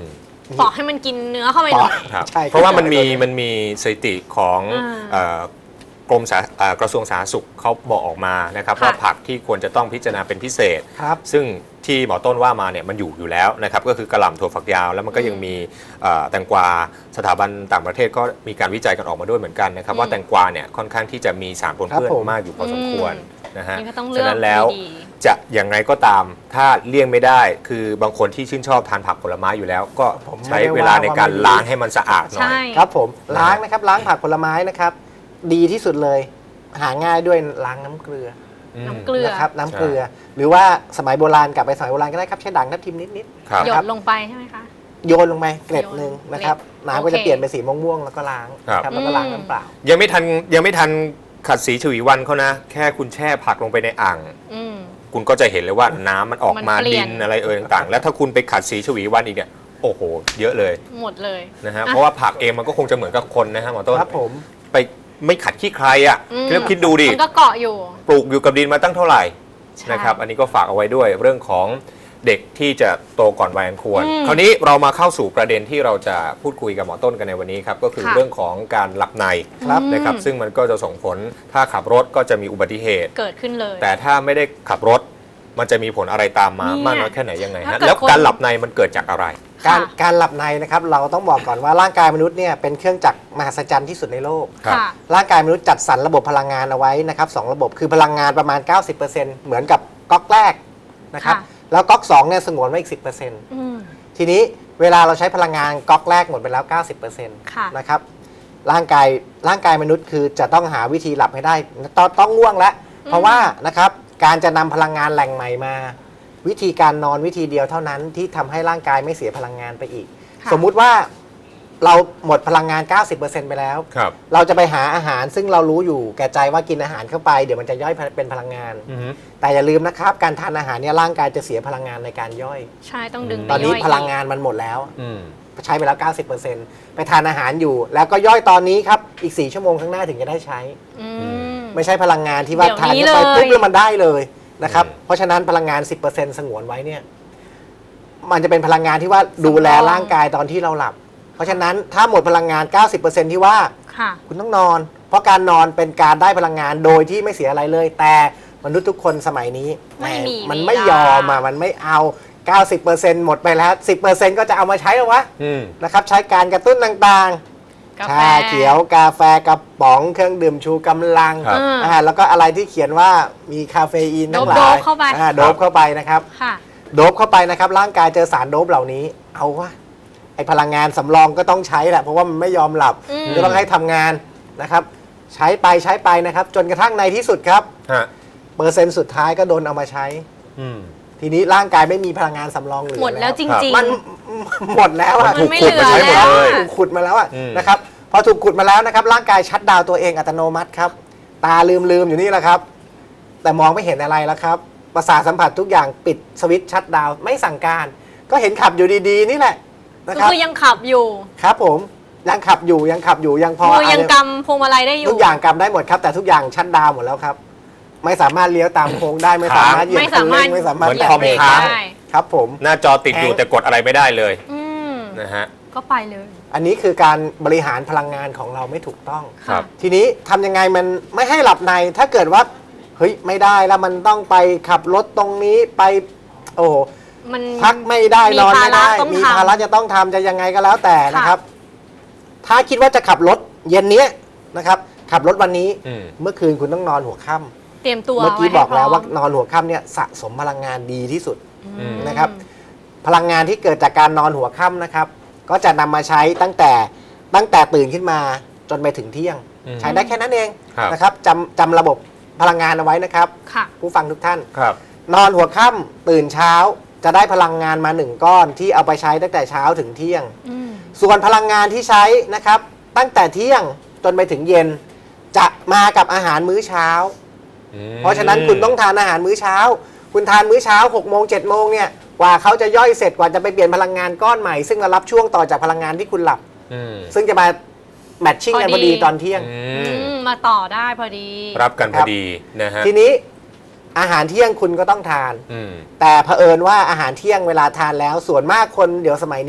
Speaker 2: ปอกให้มันกินเนื้อเข้าไปหน่อย
Speaker 4: ครับ
Speaker 3: ใช่
Speaker 4: เพราะว่ามันมีมันมีสถิติของ
Speaker 2: อ่า
Speaker 4: เอ่อกรมสาเอ่อกระทรวงสาธารณสุขเขาบอกออกมานะครับ
Speaker 2: ค่ะ
Speaker 4: ว่าผักที่ควรจะต้องพิจารณาเป็นพิเศษ
Speaker 3: ครับ
Speaker 4: ซึ่งที่หมอต้นว่ามาเนี่ยมันอยู่อยู่แล้วนะครับก็คือกระหล่ำถั่วฝักยาวแล้วมันก็ยังมีเอ่อแตงกวาสถาบันต่างประเทศก็มีการวิจัยกันออกมาด้วยเหมือนกันนะครับ
Speaker 2: อืม
Speaker 4: ว่าแตงกวาเนี่ยค่อนข้างที่จะมีสารปนเปื้อน
Speaker 3: ครับผม
Speaker 4: มากอยู่พอสมควรนะฮะ
Speaker 2: นี่ก็ต้องเลือก
Speaker 4: ฉะนั้นแล้ว
Speaker 2: ดี
Speaker 4: จะอย่างไรก็ตามถ้าเลี่ยงไม่ได้ คือบางคนที่ชื่นชอบทานผักผลไม้อยู่แล้ว ก็
Speaker 3: ผม
Speaker 4: ใช้
Speaker 3: ไม่ได้
Speaker 4: เวลาในการ
Speaker 3: ว่าไม่ดี
Speaker 4: ล้างให้มันสะอาดหน่อย
Speaker 2: ใช่
Speaker 3: ครับผมล้างนะครับล้างผักผลไม้นะครับ ดีที่สุดเลย หาง่ายด้วยล้างน้ำเกลือ
Speaker 2: น้ำเกลือ
Speaker 3: นะครับน้ำเกลือ หรือว่าสมัยโบราณกลับไปสมัยโบราณก็ได้ครับใช้ด่างทับทิมนิด
Speaker 4: ครับ
Speaker 2: หย
Speaker 3: ครั
Speaker 2: ด
Speaker 3: บ
Speaker 2: ลงไปใช่ไหมคะ
Speaker 3: ๆโยนลงไปเกล็ดหนึ่งนะครับ
Speaker 2: เกล็ด
Speaker 3: น้ำก็
Speaker 2: โอ
Speaker 3: จะ
Speaker 2: เค
Speaker 3: เปลี่ยนเป็นสีม่วงๆแล้วก็ล้าง
Speaker 4: ครับ
Speaker 3: ครับแล้วก็ล้างน้ำเปล่า
Speaker 4: ยังไม่ทันยังไม่ทันขัดสีฉวีวันเขานะ แค่คุณแช่ผักลงไปในอ่าง
Speaker 2: อืม
Speaker 4: คุณก็จะเห็นเลยว่าน้ำมันออกมา
Speaker 2: มันเปลี่
Speaker 4: ดิ
Speaker 2: ยน
Speaker 4: นอะไรเอ่ยต่างๆ แล้วถ้าคุณไปขัดสีฉวีวันอีกเนี่ยโอ้โห เยอะเลย
Speaker 2: หมดเลย
Speaker 4: นะฮะ
Speaker 2: อ่ะ
Speaker 4: เพราะว่าผักเองมันก็คงจะเหมือนกับคนนะฮะหมอต้น
Speaker 3: ครับผม
Speaker 4: ไปไม่ขัดขี้ใครอ่ะ
Speaker 2: อืม
Speaker 4: แล้วคิดดูดิ
Speaker 2: มันก็เกาะอยู่
Speaker 4: ปลูกอยู่กับดินมาตั้งเท่าไหร่
Speaker 2: ใช่
Speaker 4: นะครับอันนี้ก็ฝากเอาไว้ด้วยเรื่องของเด็กที่จะโตก่อนวัยอันควร
Speaker 2: อืม
Speaker 4: คราวนี้เรามาเข้าสู่ประเด็นที่เราจะพูดคุยกับหมอต้นกันในวันนี้ครับก็คือ
Speaker 2: ค่ะ
Speaker 4: เรื่องของการหลับใน
Speaker 3: ครับ
Speaker 4: นะครับ
Speaker 2: อืม
Speaker 4: ซึ่งมันก็จะส่งผลถ้าขับรถก็จะมีอุบัติเหตุ
Speaker 2: เกิดขึ้นเลย
Speaker 4: แต่ถ้าไม่ได้ขับรถมันจะมีผลอะไรตามมา
Speaker 2: เนี่ย
Speaker 4: มากน้อยแค่ไหนยังไง
Speaker 2: ถ้า
Speaker 4: ฮะ
Speaker 2: เกิด
Speaker 4: แล้ว
Speaker 2: คน
Speaker 4: การหลับในมันเกิดจากอะไร
Speaker 3: การ
Speaker 2: ค่ะ
Speaker 3: การหลับในนะครับเราต้องบอกก่อนว่าร่างกายมนุษย์เนี่ยเป็นเครื่องจักรมหัศจรรย์ที่สุดในโลก
Speaker 4: ครับ
Speaker 2: ค่ะ
Speaker 3: ร่างกายมนุษย์จัดสรรระบบพลังงานเอาไว้นะครับสองระบบคือพลังงานประมาณ เก้าสิบเปอร์เซ็นต์ เหมือนกับก๊อกแรกนะครับ
Speaker 2: ค่ะ
Speaker 3: แล้วก๊อกสองเนี่ยสงวนไว้อีก สิบเปอร์เซ็นต์
Speaker 2: อืม
Speaker 3: ทีนี้เวลาเราใช้พลังงานก๊อกแรกหมดไปแล้ว เก้าสิบเปอร์เซ็นต์
Speaker 2: ค่ะ
Speaker 3: นะครับร่างกายร่างกายมนุษย์คือจะต้องหาวิธีหลับให้ได้ต้องต้องง่วงแล้ว เพราะว่านะครับการจะนำพลังงานแหล่งใหม่มา วิธีการนอนวิธีเดียวเท่านั้นที่ทำให้ร่างกายไม่เสียพลังงานไปอีก
Speaker 2: ค่ะ
Speaker 3: สมมุติว่าเราหมดพลังงาน เก้าสิบเปอร์เซ็นต์ ไปแล้ว
Speaker 4: ครับ
Speaker 3: เราจะไปหาอาหารซึ่งเรารู้อยู่แก่ใจว่ากินอาหารเข้าไปเดี๋ยวมันจะย่อยเป็นพลังงาน
Speaker 4: อือฮึ
Speaker 3: แต่อย่าลืมนะครับการทานอาหารเนี่ยร่างกายจะเสียพลังงานในการย่อย
Speaker 2: ใช่ต้องดึง
Speaker 3: ตอนนี้
Speaker 2: ไปย่ย
Speaker 3: พลังงานมันหมดแล้ว
Speaker 4: อืม
Speaker 3: ใช้ไปแล้ว เก้าสิบเปอร์เซ็นต์ ไปทานอาหารอยู่ แล้วก็ย่อยตอนนี้ครับอีก สี่ ชั่วโมงข้างหน้าถึงจะได้ใช้
Speaker 2: อืม
Speaker 3: ไม่ใช่พลังงานที่ว่า
Speaker 2: เดี๋ยว
Speaker 3: ทาน
Speaker 2: นี้
Speaker 3: เข้าไป
Speaker 2: เลย
Speaker 3: ปุ๊บแล้วมันได้เลยนะครับ
Speaker 4: อืม
Speaker 3: เพราะฉะนั้นพลังงาน สิบเปอร์เซ็นต์ สงวนไว้เนี่ยมันจะเป็นพลังงานที่ว่าดูแลร่างกายตอนที่เราหลับ เพราะฉะนั้นถ้าหมดพลังงาน เก้าสิบเปอร์เซ็นต์ ที่ว่า
Speaker 2: ค่ะ
Speaker 3: คุณต้องนอน เพราะการนอนเป็นการได้พลังงานโดยที่ไม่เสียอะไรเลย แต่มนุษย์ทุกคนสมัยนี้
Speaker 2: ไม่มี
Speaker 3: มัน
Speaker 2: เวลา
Speaker 3: ไม่ยอมอ่ะมันไม่เอา เก้าสิบเปอร์เซ็นต์ หมดไปแล้ว สิบเปอร์เซ็นต์ ก็จะเอามาใช้แล้ววะ
Speaker 4: อืม
Speaker 3: นะครับใช้การกระตุ้นต่างๆ
Speaker 2: กาแฟ
Speaker 3: ชาเขียวกาแฟกระป๋องเครื่องดื่มชูกำลัง
Speaker 4: ครับ
Speaker 3: อ่าแล้วก็อะไรที่เขียนว่ามีคาเฟอีนทั้งหลาย
Speaker 2: โดบเข้าไป
Speaker 3: อ่โดบเข้าไปนะครับ
Speaker 2: ค่ะ
Speaker 3: โดบเข้าไปนะครับร่างกายเจอสารโดบเหล่านี้ เอาวะไอพลังงานสำรองก็ต้องใช้แหละเพราะว่ามันไม่ยอมหลับ
Speaker 2: อืม
Speaker 3: ก็ต้องให้ทำงานนะครับ ใช้ไปใช้ไปนะครับ จนกระทั่งในที่สุดครับ
Speaker 4: ฮะ
Speaker 3: เปอร์เซ็นต์สุดท้ายก็โดนเอามาใช้
Speaker 4: อืม
Speaker 3: ทีนี้ร่างกายไม่มีพลังงานสำรองเหลือ
Speaker 2: หมดแล้วจ
Speaker 4: ครับ
Speaker 2: ริง
Speaker 3: มันหมดแล้ว
Speaker 4: มัน
Speaker 3: อะ
Speaker 4: ถูก
Speaker 2: ไม่
Speaker 4: ขุดมาใช้หมด
Speaker 2: เหลือ
Speaker 4: เลย
Speaker 2: แล้ว
Speaker 3: ถูกขุดมาแล้วอะ
Speaker 4: อืม
Speaker 3: นะครับพอถูกขุดมาแล้วนะครับร่างกายชัตดาวน์ตัวเองอัตโนมัติครับ ตาลืมลืมๆอยู่นี่แหละครับ แต่มองไม่เห็นอะไรแล้วครับประสาทสัมผัสทุกอย่างปิดสวิตช์ชัตดาวน์ไม่สั่งการ ก็เห็นขับอยู่ดีๆ นี่แหละ
Speaker 2: ๆ
Speaker 3: นะ
Speaker 2: ก็
Speaker 3: ครับ
Speaker 2: คือยังขับอยู่
Speaker 3: ครับผมยังขับอยู่ยังขับอยู่ยังพอ
Speaker 2: มือยัง
Speaker 3: อะไร
Speaker 2: กำพวงมาลัยได้อยู่
Speaker 3: ทุกอย่างกำได้หมดครับ แต่ทุกอย่างชัตดาวน์หมดแล้วครับ ไม่สามารถเลี้ยวตามโค้งได้ไม่สามารถเหยียบ
Speaker 2: ไม่
Speaker 3: คั
Speaker 2: สาน มาร
Speaker 3: เร่
Speaker 2: ถ
Speaker 3: งไม่สามารถ
Speaker 4: เหมือน
Speaker 3: แตะ
Speaker 4: คอม
Speaker 3: เบรก
Speaker 4: ค้าง
Speaker 3: ได้ครับผม
Speaker 4: หน้าจอติดอยู่แต่กดอะไรไม่ได้เลย
Speaker 2: อืม
Speaker 4: นะฮะ
Speaker 2: ก็ไปเลย
Speaker 3: อันนี้คือการบริหารพลังงานของเราไม่ถูกต้อง
Speaker 4: ครับ
Speaker 3: ทีนี้ทำยังไงมันไม่ให้หลับในถ้าเกิดว่าเฮ้ยไม่ได้แล้วมันต้องไปขับรถตรงนี้ไปโอ้โห
Speaker 2: มัน
Speaker 3: พักไม่ได้
Speaker 2: มี
Speaker 3: นอนไม่ได้
Speaker 2: ภาระต้อง
Speaker 3: มี
Speaker 2: ทำ
Speaker 3: ภาระจะต้องทำจะยังไงก็แล้วแต่นะครับ ถ้าคิดว่าจะขับรถเย็นเนี้ยนะครับ ขับรถวันนี้
Speaker 4: อืม
Speaker 3: เมื่อคืนคุณต้องนอนหัวค่ำ
Speaker 2: เตรียมตัว
Speaker 3: เมื่อกี้
Speaker 2: ไให้
Speaker 3: บอกแล้ว
Speaker 2: พร้
Speaker 3: ว่านอนหัวค่ำเนี่ยสะสมพลังงานดีที่สุด
Speaker 2: อืม
Speaker 3: นะครับ พลังงานที่เกิดจากการนอนหัวค่ำนะครับ ก็จะนำมาใช้ตั้งแต่ตั้งแต่ตื่นขึ้นมาจนไปถึงเที่ยง
Speaker 4: อืม
Speaker 3: ใช้ได้แค่นั้นเอง
Speaker 4: ครับ
Speaker 3: นะครับจำจำระบบพลังงานเอาไว้นะครับ
Speaker 2: ค่ะ
Speaker 3: ผู้ฟังทุกท่าน
Speaker 4: ครับ
Speaker 3: นอนหัวค่ำตื่นเช้าจะได้พลังงานมาหนึ่งก้อนที่เอาไปใช้ตั้งแต่เช้าถึงเที่ยง
Speaker 2: อืม
Speaker 3: ส่วนพลังงานที่ใช้นะครับ ตั้งแต่เที่ยงจนไปถึงเย็น จะมากับอาหารมื้อเช้า
Speaker 4: อืม
Speaker 3: เพราะฉะนั้นคุณต้องทานอาหารมื้อเช้า คุณทานมื้อเช้าหกโมงเจ็ดโมงเนี่ยกว่าเขาจะย่อยเสร็จกว่าจะไปเปลี่ยนพลังงานก้อนใหม่ซึ่งมารับช่วงต่อจากพลังงานที่คุณหลับ
Speaker 4: อืม
Speaker 3: ซึ่งจะมาแมทชิ่งกันพอดีตอนเที่ยง
Speaker 4: อื
Speaker 2: อื
Speaker 4: ม
Speaker 2: มมาต่อได้พอดี
Speaker 4: รับกันพอดีนะฮะ
Speaker 3: ทีนี้อาหารเที่ยงคุณก็ต้องทาน
Speaker 4: อืม
Speaker 3: แต่เผอิญว่าอาหารเที่ยงเวลาทานแล้วส่วนมากคนเดี๋ยวสมัยนี้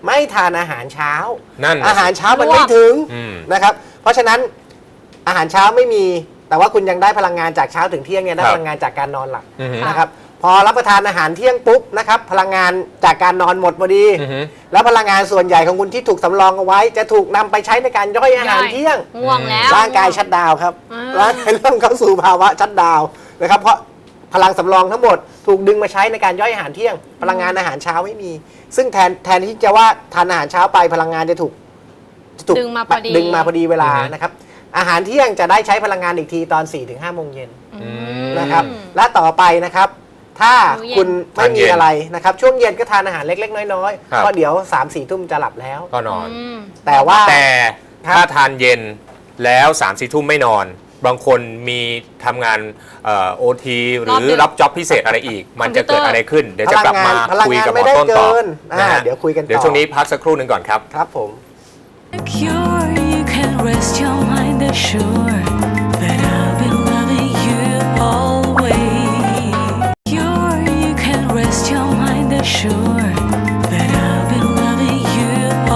Speaker 3: ไม่ทานอาหารเช้า
Speaker 4: นั่นน่ะ
Speaker 3: อาหารเช้ามัน
Speaker 2: ร่วง
Speaker 3: ไม่ถึง
Speaker 4: อืม
Speaker 3: นะครับเพราะฉะนั้นอาหารเช้าไม่มีแต่ว่าคุณยังได้พลังงานจากเช้าถึงเที่ยงเนี่ยได้
Speaker 4: ครับ
Speaker 3: พลังงานจากการนอนหลับ
Speaker 4: อือฮึ
Speaker 3: นะครับพอรับประทานอาหารเที่ยงปุ๊บนะครับพลังงานจากการนอนหมดพอดี
Speaker 4: อือฮึ
Speaker 3: แล้วพลังงานส่วนใหญ่ของคุณที่ถูกสำรองเอาไว้ จะถูกนำไปใช้ในการย่อยอาหารเที่ยง
Speaker 2: ง่วงแล้ว
Speaker 3: ร่างกายชัดดาวน์ครับ
Speaker 2: อ่า
Speaker 3: ร่างกายเริ่มเข้าสู่ภาวะชัดดาวน์นะครับเพราะพลังสำรองทั้งหมดถูกดึงมาใช้ในการย่อยอาหารเที่ยง พลังงานอาหารเช้าไม่มี ซึ่งแทนแทนที่จะว่าทานอาหารเช้าไปพลังงานจะถูกจะถูก
Speaker 2: ดึงมาพอดี
Speaker 3: ดึงมาพอดีเวลา
Speaker 4: อือฮึ
Speaker 3: นะครับอาหารเที่ยงจะได้ใช้พลังงานอีกทีตอน สี่ถึงห้า โมงเย็น
Speaker 2: อืม
Speaker 3: นะครับและต่อไปนะครับถ้า
Speaker 2: มื้อเย็น
Speaker 3: คุณไม่
Speaker 4: ทานเย็
Speaker 3: มี
Speaker 4: น
Speaker 3: อะไรนะครับช่วงเย็นก็ทานอาหารเล็กๆ น้อย
Speaker 4: ครับ
Speaker 3: ๆเพราะเดี๋ยว สามสี่ ทุ่มจะหลับแล้ว
Speaker 4: ก็นอน
Speaker 2: อืม
Speaker 3: แต่ว่า
Speaker 4: แต่
Speaker 3: ครับ
Speaker 4: ถ้าทานเย็นแล้ว3ามสี่ทุ่มไม่นอน บางคนมีทำงานโอทีหรื
Speaker 2: รอบ
Speaker 4: อ
Speaker 2: ดึก
Speaker 4: รับจ็อบพิเศษอะไรอีก มันจะเกิดอะไรขึ้น เดี๋ยวจะกลับมา
Speaker 3: พลังงาน
Speaker 4: คุยกับหม
Speaker 3: ไม่
Speaker 4: อ
Speaker 3: ได้
Speaker 4: ต้นต่อ
Speaker 3: เกินอ่า
Speaker 4: นะฮะ
Speaker 3: เดี๋ยวคุยกันต่อ
Speaker 4: เดี๋ยวช่วงนี้พักสักครู่หนึ่งก่อนครับ
Speaker 3: ครับผม
Speaker 1: Secure, you can rest your mind assured that I've been loving you always. Secure, you can rest your mind assured that I've been loving you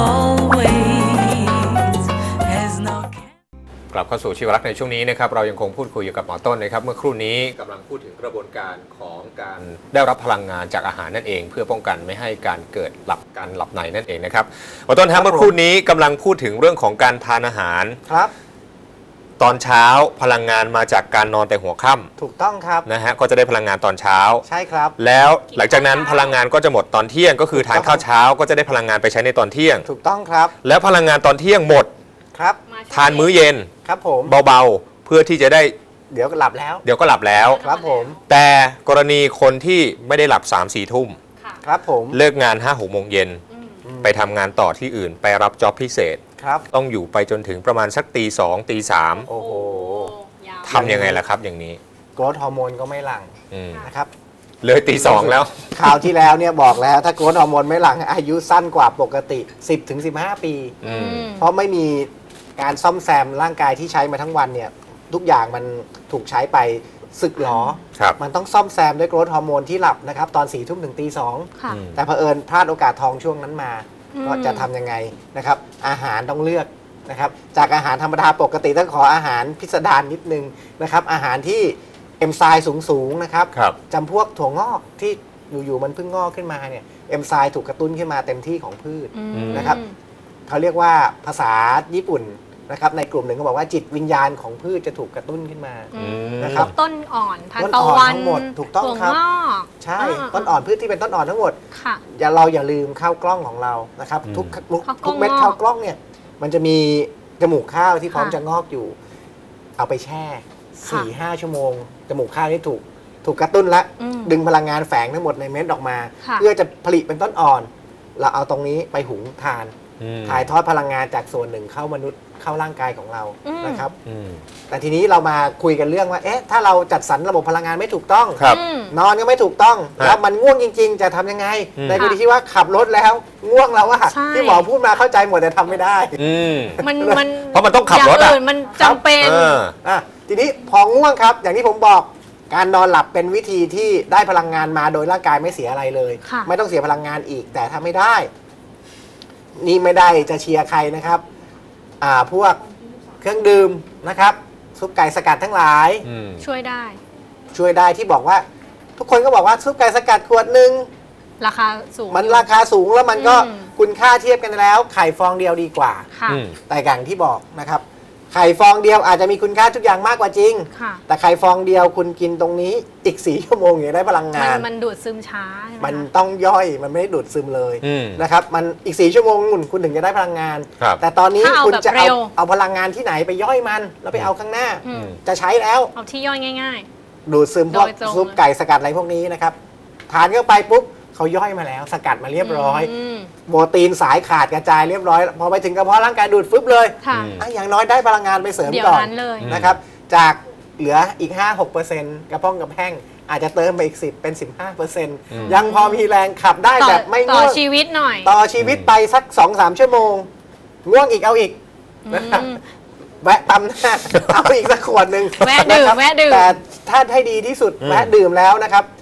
Speaker 1: always. There's no
Speaker 4: กลับเข้าสู่ชีวรักษ์ในช่วงนี้นะครับเรายังคงพูดคุยอยู่กับหมอต้นนะครับเมื่อครู่นี้กำลังพูดถึงกระบวนการของการได้รับพลังงานจากอาหารนั่นเอง เพื่อป้องกันไม่ให้การเกิดหลับการหลับในนั่นเองนะครับหมอต้น
Speaker 3: ครั
Speaker 4: ฮะ
Speaker 3: บ
Speaker 4: เมื่อครู่นี้กำลังพูดถึงเรื่องของการทานอาหาร
Speaker 3: ครับ
Speaker 4: ตอนเช้าพลังงานมาจากการนอนแต่หัวค่
Speaker 3: ถูกต้องครับ
Speaker 4: ำนะฮะก็จะได้พลังงานตอนเช้า
Speaker 3: ใช่ครับ
Speaker 4: แล้วหลังจากนั้นพลังงานก็จะหมดตอนเที่ยง ก็คือทานข้าวเช้าก็จะได้พลังงานไปใช้ในตอนเที่ยง
Speaker 3: ถูกต้องครับ
Speaker 4: แล้วพลังงานตอนเที่ยงหมด
Speaker 3: ครับ
Speaker 2: มาช่วง
Speaker 4: ทานมื้อเย็น
Speaker 3: ครับผม
Speaker 4: เบาๆ เพื่อที่จะได้
Speaker 3: เดี๋ยวก็หลับแล้ว
Speaker 4: เดี๋ยวก็หลับแล้ว
Speaker 3: ครับผม
Speaker 4: แต่กรณีคนที่ไม่ได้หลับ 3 4 ทุ่ม
Speaker 2: ค่ะ
Speaker 3: ครับผม
Speaker 4: เลิกงาน 5 6 โมงเย็น
Speaker 2: อืม
Speaker 4: ไปทำงานต่อที่อื่น ไปรับจ็อบพิเศษ
Speaker 3: ครับ
Speaker 4: ต้องอยู่ไปจนถึงประมาณสักตีสองตีสาม
Speaker 3: โอ้โห
Speaker 2: ยาว
Speaker 4: ทำยังไงล่ะครับอย่างนี้
Speaker 3: โกรทฮอร์โมนก็ไม่หลั่ง
Speaker 4: อืม
Speaker 3: นะครับ
Speaker 4: เลยตีสองแล้ว
Speaker 3: คราวที่แล้วเนี่ยบอกแล้วถ้าโกรทฮอร์โมนไม่หลั่งอายุสั้นกว่าปกติ สิบถึงสิบห้า ปี
Speaker 4: อืม
Speaker 2: อืม
Speaker 3: เพราะไม่มีการซ่อมแซมร่างกายที่ใช้มาทั้งวันเนี่ยทุกอย่างมันถูกใช้ไปสึกหรอ
Speaker 4: ครับ
Speaker 3: มันต้องซ่อมแซมด้วยโกรทฮอร์โมนที่หลับนะครับตอนสี่ทุ่มถึงตีสอง
Speaker 2: ค่ะ
Speaker 4: อืม
Speaker 3: แต่เผอิญพลาดโอกาสทองช่วงนั้นมา
Speaker 2: อืม
Speaker 3: ก็จะทำยังไงนะครับอาหารต้องเลือกนะครับจากอาหารธรรมดาปกติต้องขออาหารพิสดารนิดนึงนะครับอาหารที่เอนไซม์สูงๆนะครับ
Speaker 4: ครับ
Speaker 3: จำพวกถั่วงอกที่อยู่ๆมันเพิ่งงอกขึ้นมาเนี่ยเอนไซม์ถูกกระตุ้นขึ้นมาเต็มที่ของพืช
Speaker 2: อืม
Speaker 3: นะครับ เขาเรียกว่าภาษาญี่ปุ่นนะครับในกลุ่มหนึ่งเขาบอกว่าจิตวิญญาณของพืชจะถูกกระตุ้นขึ้นมา
Speaker 2: อืม
Speaker 3: นะครับ
Speaker 2: ต้นอ่อนทาน
Speaker 3: ต้น
Speaker 2: ตะ
Speaker 3: อ่อน
Speaker 2: วัน
Speaker 3: ทั้งหมดถูกต้อง
Speaker 2: ถั่ว
Speaker 3: ครับ
Speaker 2: งอก
Speaker 3: ใช่
Speaker 2: า
Speaker 3: ต้นอ่อนพืชที่เป็นต้นอ่อนทั้งหมด
Speaker 2: ค่ะ
Speaker 3: อย่าเราอย่าลืมข้าวกล้องของเรานะครับ
Speaker 4: อืม
Speaker 3: ทุกทุก
Speaker 2: ข้าวกล้อง
Speaker 3: ทุกเม็ด
Speaker 2: งอก
Speaker 3: ข้าวกล้องเนี่ยมันจะมีจมูกข้าวที่พร้อม
Speaker 2: ค่ะ
Speaker 3: จะงอกอยู่ เอาไปแช่สี่ห้าชั่วโมง จมูกข้าวที่ถูกถูกกระตุ้นและ
Speaker 2: อืม
Speaker 3: ดึงพลังงานแฝงทั้งหมดในเม็ดออกมา
Speaker 2: ค่ะ
Speaker 3: เพื่อจะผลิตเป็นต้นอ่อน เราเอาตรงนี้ไปหุงทาน
Speaker 4: อืม
Speaker 3: ถ่ายทอดพลังงานจากส่วนหนึ่งเข้ามนุษย์เข้าร่างกายของเรา
Speaker 2: อืม
Speaker 3: นะครับ
Speaker 4: อืม
Speaker 3: แต่ทีนี้เรามาคุยกันเรื่องว่าเอ๊ะถ้าเราจัดสรรระบบพลังงานไม่ถูกต้อง
Speaker 4: ครับ
Speaker 2: อืม
Speaker 3: นอนก็ไม่ถูกต้อง
Speaker 4: ฮะ
Speaker 3: แล้วมันง่วงจริง ๆ จะทำยังไง
Speaker 4: อืม
Speaker 3: ในกรณีที่ว่าขับรถแล้วง่วงแล้วว่า
Speaker 2: ใช่
Speaker 3: ที่หมอพูดมาเข้าใจหมดแต่ทำไม่ได้
Speaker 4: อืม
Speaker 2: มันมัน
Speaker 4: เพราะมันต้องขับรถ
Speaker 2: ย่า
Speaker 4: อะ
Speaker 2: งอื่นมันจำเป็น
Speaker 4: เออ
Speaker 3: อ่ะทีนี้พอง่วงครับ อย่างที่ผมบอกการนอนหลับเป็นวิธีที่ได้พลังงานมาโดยร่างกายไม่เสียอะไรเลย
Speaker 2: ค่ะ
Speaker 3: ไม่ต้องเสียพลังงานอีกแต่ถ้าไม่ได้ นี่ไม่ได้จะเชียร์ใครนะครับอ่าพวกเครื่องดื่มนะครับซุปไก่สกัดทั้งหลาย
Speaker 4: อืม
Speaker 2: ช่วยได้
Speaker 3: ช่วยได้ที่บอกว่า ทุกคนก็บอกว่าซุปไก่สกัดขวดหนึ่ง
Speaker 2: ราคาสูง
Speaker 3: มันราคาสูงแล้วมันก็
Speaker 2: อืม
Speaker 3: คุณค่าเทียบกันแล้วไข่ฟองเดียวดีกว่า
Speaker 2: ค่ะ
Speaker 4: อืม
Speaker 3: แต่อย่างที่บอกนะครับ ไข่ฟองเดียวอาจจะมีคุณค่าทุกอย่างมากกว่าจริง
Speaker 2: ค่ะ
Speaker 3: แต่ไข่ฟองเดียวคุณกินตรงนี้อีกสี่ชั่วโมงอย่างได้พลัง
Speaker 2: มั
Speaker 3: งาน น
Speaker 2: มันดูดซึมช้าใช่ไหม
Speaker 3: มัน
Speaker 2: คะ
Speaker 3: ต้องย่อยมันไม่ได้ดูดซึมเลย
Speaker 4: อืม
Speaker 3: นะครับมันอีกสี่ชั่วโมงคุณคุณถึงจะได้พลังงาน
Speaker 4: ครับ
Speaker 3: แต่ตอนนี้
Speaker 2: ถ้าเอา
Speaker 3: คุณ
Speaker 2: แบบ
Speaker 3: จะ
Speaker 2: เร็
Speaker 3: เอา
Speaker 2: ว
Speaker 3: เอาพลังงานที่ไหนไปย่อยมัน แล้วไปเอาข้างหน้า
Speaker 2: อืม
Speaker 3: จะใช้แล้ว
Speaker 2: เอาที่ย่อยง่าย
Speaker 3: ดูดซึมพวก
Speaker 2: โดยตรง
Speaker 3: ซุปไก่สกัดอะไรพวกนี้นะครับทานเข้าไปปุ๊บเขาย่อยมาแล้ว สกัดมา
Speaker 2: ๆ
Speaker 3: เรียบร้อย
Speaker 2: ม
Speaker 3: โปรตีนสายขาดกระจายเรียบร้อย พอไปถึงกระเพาะร่างกายดูดฟึบเลย
Speaker 2: ค่ะ
Speaker 4: อืม
Speaker 3: อ่ะอย่างน้อยได้พลังงานไปเสริม
Speaker 2: เดี๋ยว
Speaker 3: ก่อน
Speaker 2: นั้นเลย
Speaker 4: อืม
Speaker 3: นะครับ จากเหลืออีก ห้าหกเปอร์เซ็นต์ กระพ้องกระแห้งอาจจะเติมไปอีก สิบ เป็น สิบห้าเปอร์เซ็นต์
Speaker 4: อืม
Speaker 3: ยังพอมีแรงขับได้
Speaker 2: ต่อ
Speaker 3: แบบไม่
Speaker 2: ต่อ
Speaker 3: ง่วง
Speaker 2: ชีวิตหน่อย
Speaker 3: ต่อชีวิตไปสัก สองสาม ชั่วโมง ง่วงอีกเอาอีกนะครับ
Speaker 2: อืม
Speaker 3: แวะปั๊มหน้า เอาอีกสักขวดหนึ่ง
Speaker 2: แวะดื่ม
Speaker 3: นครับ
Speaker 2: แวะดื่ม
Speaker 3: แต่ถ้าให้ดีที่สุด
Speaker 4: อืม
Speaker 3: แวะดื่มแล้วนะครับ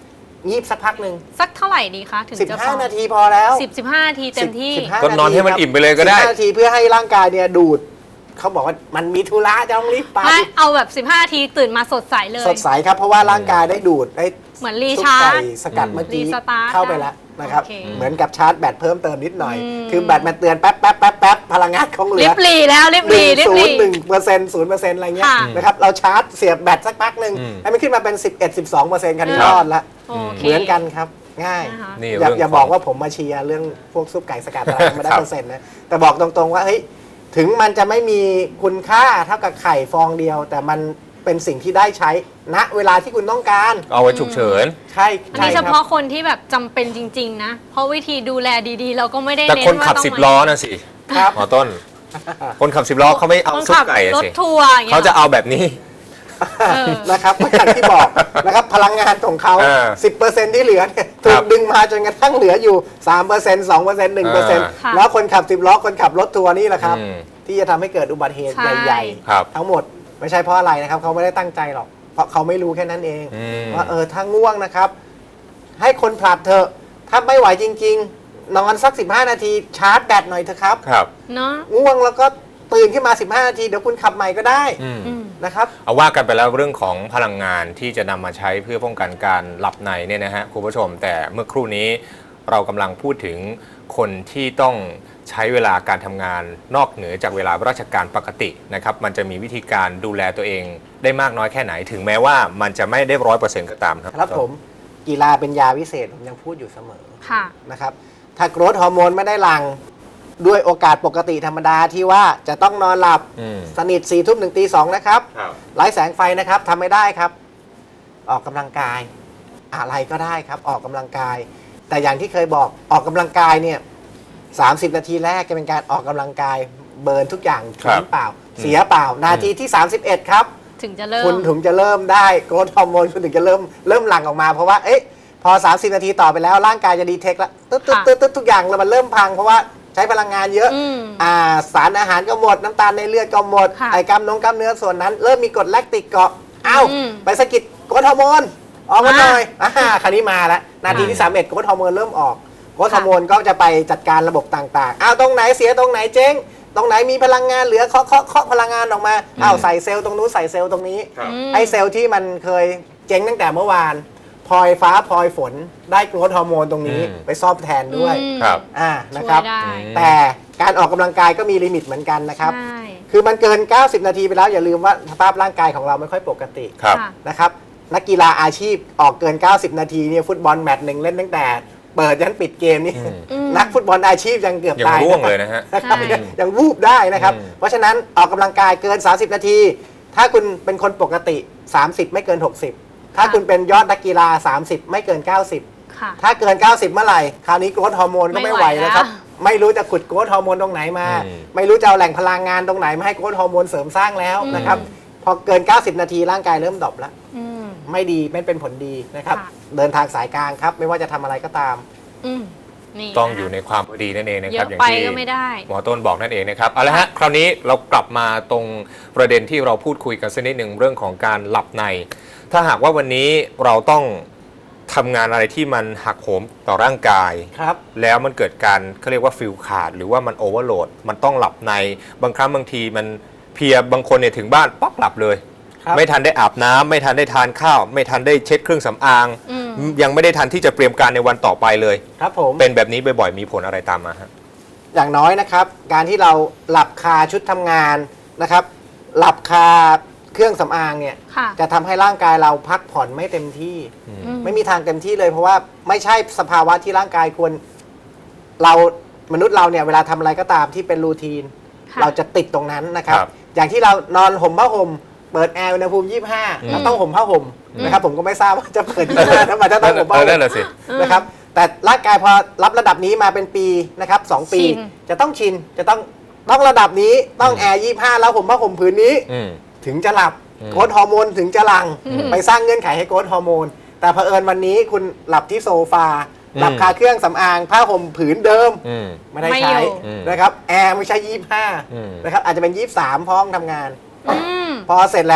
Speaker 3: งีบสักพักหนึ่ง
Speaker 2: สักเท่าไหร่ดีคะถึง
Speaker 3: สิบ
Speaker 2: จะพ
Speaker 3: ห้า
Speaker 2: อ
Speaker 3: นาทีพอแล้ว
Speaker 2: สิบสิบห้านาทีเต็มที่
Speaker 3: สิบห้า
Speaker 4: ก็นอนให้มัน
Speaker 3: ครับ
Speaker 4: อิ่มไปเลยก็ได้
Speaker 3: สิบห้านาทีเพื่อให้ร่างกายเนี่ยดูดเขาบอกว่ามันมีธุระจะต้องรีบไป
Speaker 2: ไม่เอาแบบสิบห้านาทีตื่นมาสดใสเลย
Speaker 3: สดใสครับเพราะว่าร่างกายได้ดูดได้
Speaker 2: เหมือนรี
Speaker 3: ซุป
Speaker 2: ชาร์
Speaker 3: ไก่
Speaker 2: จ
Speaker 3: สกัดเมื่อกี้
Speaker 2: รีสตาร์ท
Speaker 3: เข้าไปแล้วนะครับ
Speaker 2: โอเค
Speaker 3: เหมือนกับชาร์จแบตเพิ่มเติมนิดหน่อย
Speaker 2: อืม
Speaker 3: คือแบตมันเตือนแป๊บแป๊บแป๊บแป๊บพลังงานคงเหลื
Speaker 2: ลิ
Speaker 3: อบ
Speaker 2: หลีแล้วลิบ
Speaker 3: ห
Speaker 2: หลี
Speaker 3: นึ่ง
Speaker 2: ลิบ
Speaker 3: ศู
Speaker 2: หลี
Speaker 3: นย์หนึ่งเปอร์เซ็นต์ศูนย์เปอร์เซ็นต์อะไรเงี้ย
Speaker 2: ค่ะ
Speaker 3: นะครับเราชาร์จเสียบแบตสักพักหนึ่ง
Speaker 4: อืม
Speaker 3: ให้มันขึ้นมาเป็นสิบเอ็ด สิบสองเปอร์เซ็นต์คันนี้รอดละ
Speaker 2: โอเค
Speaker 3: เหมือนกันครับง่าย
Speaker 2: นะคะ
Speaker 4: นี่
Speaker 3: อย่า
Speaker 4: เรื่อง
Speaker 3: อย่า
Speaker 4: ของ
Speaker 3: บอกว่าผมมาเชียร์เรื่องพวกซุปไก่สกัดอะไรไม่ได้
Speaker 4: ครับ
Speaker 3: เปอร์เซ็นต์นะแต่บอกตรงๆว่าเฮ้ยถึงมันจะไม่มีคุณค่าเท่ากับไข่ฟองเดียว แต่มันเป็นสิ่งที่ได้ใช้ณเวลาที่คุณต้องการ
Speaker 4: เอาไว้ฉุกเฉิน
Speaker 3: ใช่
Speaker 2: อัน
Speaker 3: ใช่
Speaker 2: นี้
Speaker 3: ค
Speaker 2: เฉ
Speaker 3: รับ
Speaker 2: พาะคนที่แบบจำเป็นจริง ๆ นะ เพราะวิธีดูแลดีๆ เราก็ไม่ได้
Speaker 4: แต่
Speaker 2: เน้น
Speaker 4: คน
Speaker 2: ว่า
Speaker 4: ขับ
Speaker 2: ต้อง
Speaker 4: สิบ
Speaker 2: มา
Speaker 4: ล้อนะสิ
Speaker 3: ครับ
Speaker 4: หมอต้น คนขับสิบล้อเขาไม่เอา
Speaker 2: คน
Speaker 4: ซุป
Speaker 2: ขับ
Speaker 4: ไก่อะ
Speaker 2: รถ
Speaker 4: สิ
Speaker 2: ทัวร์อย่างเงี้ย
Speaker 4: เขาจะเอาแบบนี้
Speaker 2: เออ
Speaker 3: นะครับก็อย่างที่บอกนะครับพลังงานของเขา
Speaker 4: เออ
Speaker 3: สิบเปอร์เซ็นต์ที่เหลือเนี่ยถู
Speaker 4: ครั
Speaker 3: ก
Speaker 4: บ
Speaker 3: ดึงมาจนกระทั่งเหลืออยู่สามเปอร์เซ็นต์ สองเปอร์เซ็นต์ หนึ่งเปอร์เซ็นต์
Speaker 2: ค่ะ
Speaker 3: แล้วคนขับสิบล้อคนขับรถทัวร์นี่แหละครับ
Speaker 4: อืม
Speaker 3: ที่จะทำให้เกิดอุบัติเหตุ
Speaker 2: ใช่
Speaker 3: ใหญ่
Speaker 4: ครับ
Speaker 3: ๆ ทั้งหมดไม่ใช่เพราะอะไรนะครับเขาไม่ได้ตั้งใจหรอก เพราะเขาไม่รู้แค่นั้นเอง
Speaker 4: อืม
Speaker 3: ว่าเออถ้าง่วงนะครับ ให้คนผลัดเถอะถ้าไม่ไหวจริง ๆ นอนสักสิบห้านาทีชาร์จแบตหน่อยเถอะครับ
Speaker 4: ครับ
Speaker 2: เนาะ
Speaker 3: ง่วงแล้วก็ตื่นขึ้นมาสิบห้านาทีเดี๋ยวคุณขับใหม่ก็ได้
Speaker 4: อืม
Speaker 2: อืม
Speaker 3: นะครับ
Speaker 4: เอาว่ากันไปแล้วเรื่องของพลังงานที่จะนำมาใช้เพื่อป้องกันการหลับในเนี่ยนะฮะคุณผู้ชม แต่เมื่อครู่นี้เรากำลังพูดถึงคนที่ต้องใช้เวลาการทำงานนอกเหนือจากเวลาราชการปกตินะครับมันจะมีวิธีการดูแลตัวเองได้มากน้อยแค่ไหนถึงแม้ว่ามันจะไม่ได้ร้อยเปอร์เซ็นต์ก็ตามครับ
Speaker 3: ครับผมกีฬาเป็นยาวิเศษผมยังพูดอยู่เสมอ
Speaker 2: ค่ะ
Speaker 3: นะครับถ้าโกรทฮอร์โมนไม่ได้หลังด้วยโอกาสปกติธรรมดาที่ว่าจะต้องนอนหลับ
Speaker 4: อืม
Speaker 3: สนิทสี่ทุ่มถึงตีสองนะครับ
Speaker 4: ครับ
Speaker 3: ไร้แสงไฟนะครับทำไม่ได้ครับ ออกกำลังกาย อะไรก็ได้ครับ ออกกำลังกาย แต่อย่างที่เคยบอกออกกำลังกายเนี่ยสามสิบนาทีแรกจะเป็นการออกกำลังกายเบิร์นทุกอย่าง
Speaker 4: ครั
Speaker 3: ทิ้
Speaker 4: บ
Speaker 3: งเปล่า เสียเปล่า นาทีที่สามสิบเอ็ดครับ
Speaker 2: ถึงจะเริ่ม
Speaker 3: คุณถึงจะเริ่มได้โกรทฮอร์โมนคุณถึงจะเริ่มเริ่มหลั่งออกมาเพราะว่าเอ๊ะพอสามสิบนาทีต่อไปแล้วร่างกายจะดีเทคแล้วตึ๊ดตึ๊ด
Speaker 2: ค่ะ
Speaker 3: ตึ๊ดตึ๊ดทุกอย่างแล้วมันเริ่มพังเพราะว่าใช้พลังงานเยอะ
Speaker 2: อืม
Speaker 3: อ่าสารอาหารก็หมดน้ำตาลในเลือดก็หมด
Speaker 2: ค่ะ
Speaker 3: ไอกล้ามนงกล้ามเนื้อส่วนนั้น เริ่มมีกรดแลคติกเกาะอ้าว
Speaker 2: อืม
Speaker 3: ไปสะกิดโกรทฮอร์โมนออกมา
Speaker 2: อ่า
Speaker 3: หน่อยอ่าคราวนี้มาแล้วนาทีที่สามเอ็ดโกรทฮอร์โมนเริ่มออกโกรทฮอร์โมนก็จะไปจัดการระบบต่างๆอ้าวตรงไหนเสียตรงไหนเจ๊งตรงไหนมีพลังงานเหลือเคาะเคาะเคาะพลังงานออกมาอ้าวใส่เซลล์ตรงนู้นใส่เซลล์ตรงนี้
Speaker 4: ครับ
Speaker 2: อืม
Speaker 3: ไอ้เซลล์ที่มันเคยเจ๊งตั้งแต่เมื่อวานพลอยฟ้าพลอยฝนได้โกรทฮอร์โมนตรงนี้
Speaker 4: อืม
Speaker 3: ไปซ่อมแทนด้วย
Speaker 2: อืม
Speaker 4: ครับ
Speaker 3: อ่านะ
Speaker 2: ช่ว
Speaker 3: ครับ
Speaker 2: ยได้
Speaker 4: อืม
Speaker 3: แต่การออกกำลังกายก็มีลิมิตเหมือนกันนะครับ
Speaker 2: ใช่
Speaker 3: คือมันเกิน เก้าสิบ นาทีไปแล้วอย่าลืมว่าสภาพร่างกายของเราไม่ค่อยปกติ
Speaker 4: ครับ
Speaker 2: ค่ะ
Speaker 3: นะครับนักกีฬาอาชีพออกเกิน เก้าสิบ นาทีเนี่ยฟุตบอลแมตช์หนึ่งเล่นตั้งแต่เปิดยันปิดเกมนี่
Speaker 4: อืม
Speaker 2: อืม
Speaker 3: นักฟุตบอลอาชีพยังเกือบ
Speaker 4: ยัง
Speaker 3: ตาย
Speaker 4: ร่วงเลยนะฮะ
Speaker 3: นะครับ
Speaker 2: ใช่
Speaker 3: ยังยังวูบได้นะครับ
Speaker 4: อืม
Speaker 3: เพราะฉะนั้นออกกำลังกายเกิน สามสิบ นาที ถ้าคุณเป็นคนปกติ สามสิบ ไม่เกิน หกสิบ ถ้าคุณเป็นยอดนักกีฬา สามสิบ ไม่เกิน เก้าสิบ
Speaker 2: ค่ะ
Speaker 3: ถ้าเกิน เก้าสิบ เมื่อไหร่ คราวนี้โกรทฮอร์โมนก็
Speaker 2: ไม่
Speaker 3: ไม่
Speaker 2: ไห
Speaker 3: ไห
Speaker 2: ว
Speaker 3: วแล้วครับ
Speaker 2: แล้ว
Speaker 3: ไม่รู้จะขุดโกรทฮอร์โมนตรงไหนมา
Speaker 4: อืม
Speaker 3: ไม่รู้จะเอาแหล่งพลังงานตรงไหนมาให้โกรทฮอร์โมนเสริมสร้างแล้วนะครับ พอเกิน เก้าสิบ นาทีร่างกายเริ่มดรอปแล้ว
Speaker 2: อืม
Speaker 3: ไม่ดีไม่เป็นผลดีนะครับ
Speaker 2: ค่ะ
Speaker 3: เดินทางสายกลางครับ ไม่ว่าจะทำอะไรก็ตาม
Speaker 2: อืมนี่
Speaker 4: ต้อง
Speaker 2: นะคะ
Speaker 4: อยู่ในความพอดีนั่นเองนะ
Speaker 2: เย
Speaker 4: ครับ
Speaker 2: อะ
Speaker 4: อย่าง
Speaker 2: ไป
Speaker 4: ที่
Speaker 2: ก็ไม่ได้
Speaker 4: หมอต้นบอกนั่นเองนะครับเอาละฮะคราวนี้เรากลับมาตรงประเด็นที่เราพูดคุยกันสักนิดหนึ่งเรื่องของการหลับใน ถ้าหากว่าวันนี้เราต้องทำงานอะไรที่มันหักโหมต่อร่างกาย
Speaker 3: ครับ
Speaker 4: แล้วมันเกิดการเขาเรียกว่าฟิลขาดหรือว่ามันโอเวอร์โหลดมันต้องหลับในบางครั้งบางทีมันเพลียบางคนเนี่ยถึงบ้านป๊อกหลับเลย
Speaker 3: ครับ
Speaker 4: ไม่ทันได้อาบน้ำไม่ทันได้ทานข้าว ไม่ทันได้เช็ดเครื่องสำอาง
Speaker 2: อืม
Speaker 4: ยังไม่ได้ทันที่จะเตรียมการในวันต่อไปเลย
Speaker 3: ครับผม
Speaker 4: เป็นแบบนี้บ่อยๆมีผลอะไรตามมาฮะ
Speaker 3: อย่างน้อยนะครับ การที่เราหลับคาชุดทำงานนะครับ หลับคาเครื่องสำอางเนี่ย
Speaker 2: ค่ะ
Speaker 3: จะทำให้ร่างกายเราพักผ่อนไม่เต็มที่
Speaker 2: อื
Speaker 3: ไม่มีทางเต็มที่เลย เพราะว่าไม่ใช่สภาวะที่ร่างกายควรเรามนุษย์เราเนี่ยเวลาทำอะไรก็ตามที่เป็นรูทีน
Speaker 2: ค่ะ
Speaker 3: เราจะติดตรงนั้นนะครับ
Speaker 4: ครับ
Speaker 3: อย่างที่เรานอนห่มผ้าห่มเปิดแอร์อุณหภูมิยี่สิบห้า
Speaker 4: อืม
Speaker 3: เราต้องห่มผ้าห่มนะครับผมก็ไม่ทราบว่าจะเปิดยี่สิบห้าทำไมจะต้องห่มผ้า
Speaker 4: เอ
Speaker 3: ห่
Speaker 4: อนั่น
Speaker 3: ม
Speaker 4: แหละสิ
Speaker 3: นะครับแต่ร่างกายพอรับระดับนี้มาเป็นปีนะครับสองปี
Speaker 2: ชิน
Speaker 3: จะต้องชินจะต้องต้องระดับนี้ต้องแอร์ยี่สิบห้าแล้วห่มผ้าห่มผืนนี้
Speaker 4: อืม
Speaker 3: ถึงจะหลับ
Speaker 4: อืม
Speaker 3: โกรทฮอร์โมนถึงจะหลัง
Speaker 2: อืม
Speaker 3: ไปสร้างเงื่อนไขให้โกรทฮอร์โมน แต่เผอิญวันนี้คุณหลับที่โซฟา
Speaker 4: อืม
Speaker 3: หลับคาเครื่องสำอางผ้าห่มผืนเดิม
Speaker 4: อืม
Speaker 3: ไม่ได้
Speaker 2: ไม่
Speaker 3: ใช้
Speaker 2: อยู่
Speaker 4: อืม
Speaker 3: นะครับแอร์ไม่ใช่ยี่สิบห้า
Speaker 4: อืม
Speaker 3: นะครับอาจจะเป็นยี่สิบสามห้องทำงาน
Speaker 2: อืม
Speaker 3: พอเสร็จแล้ว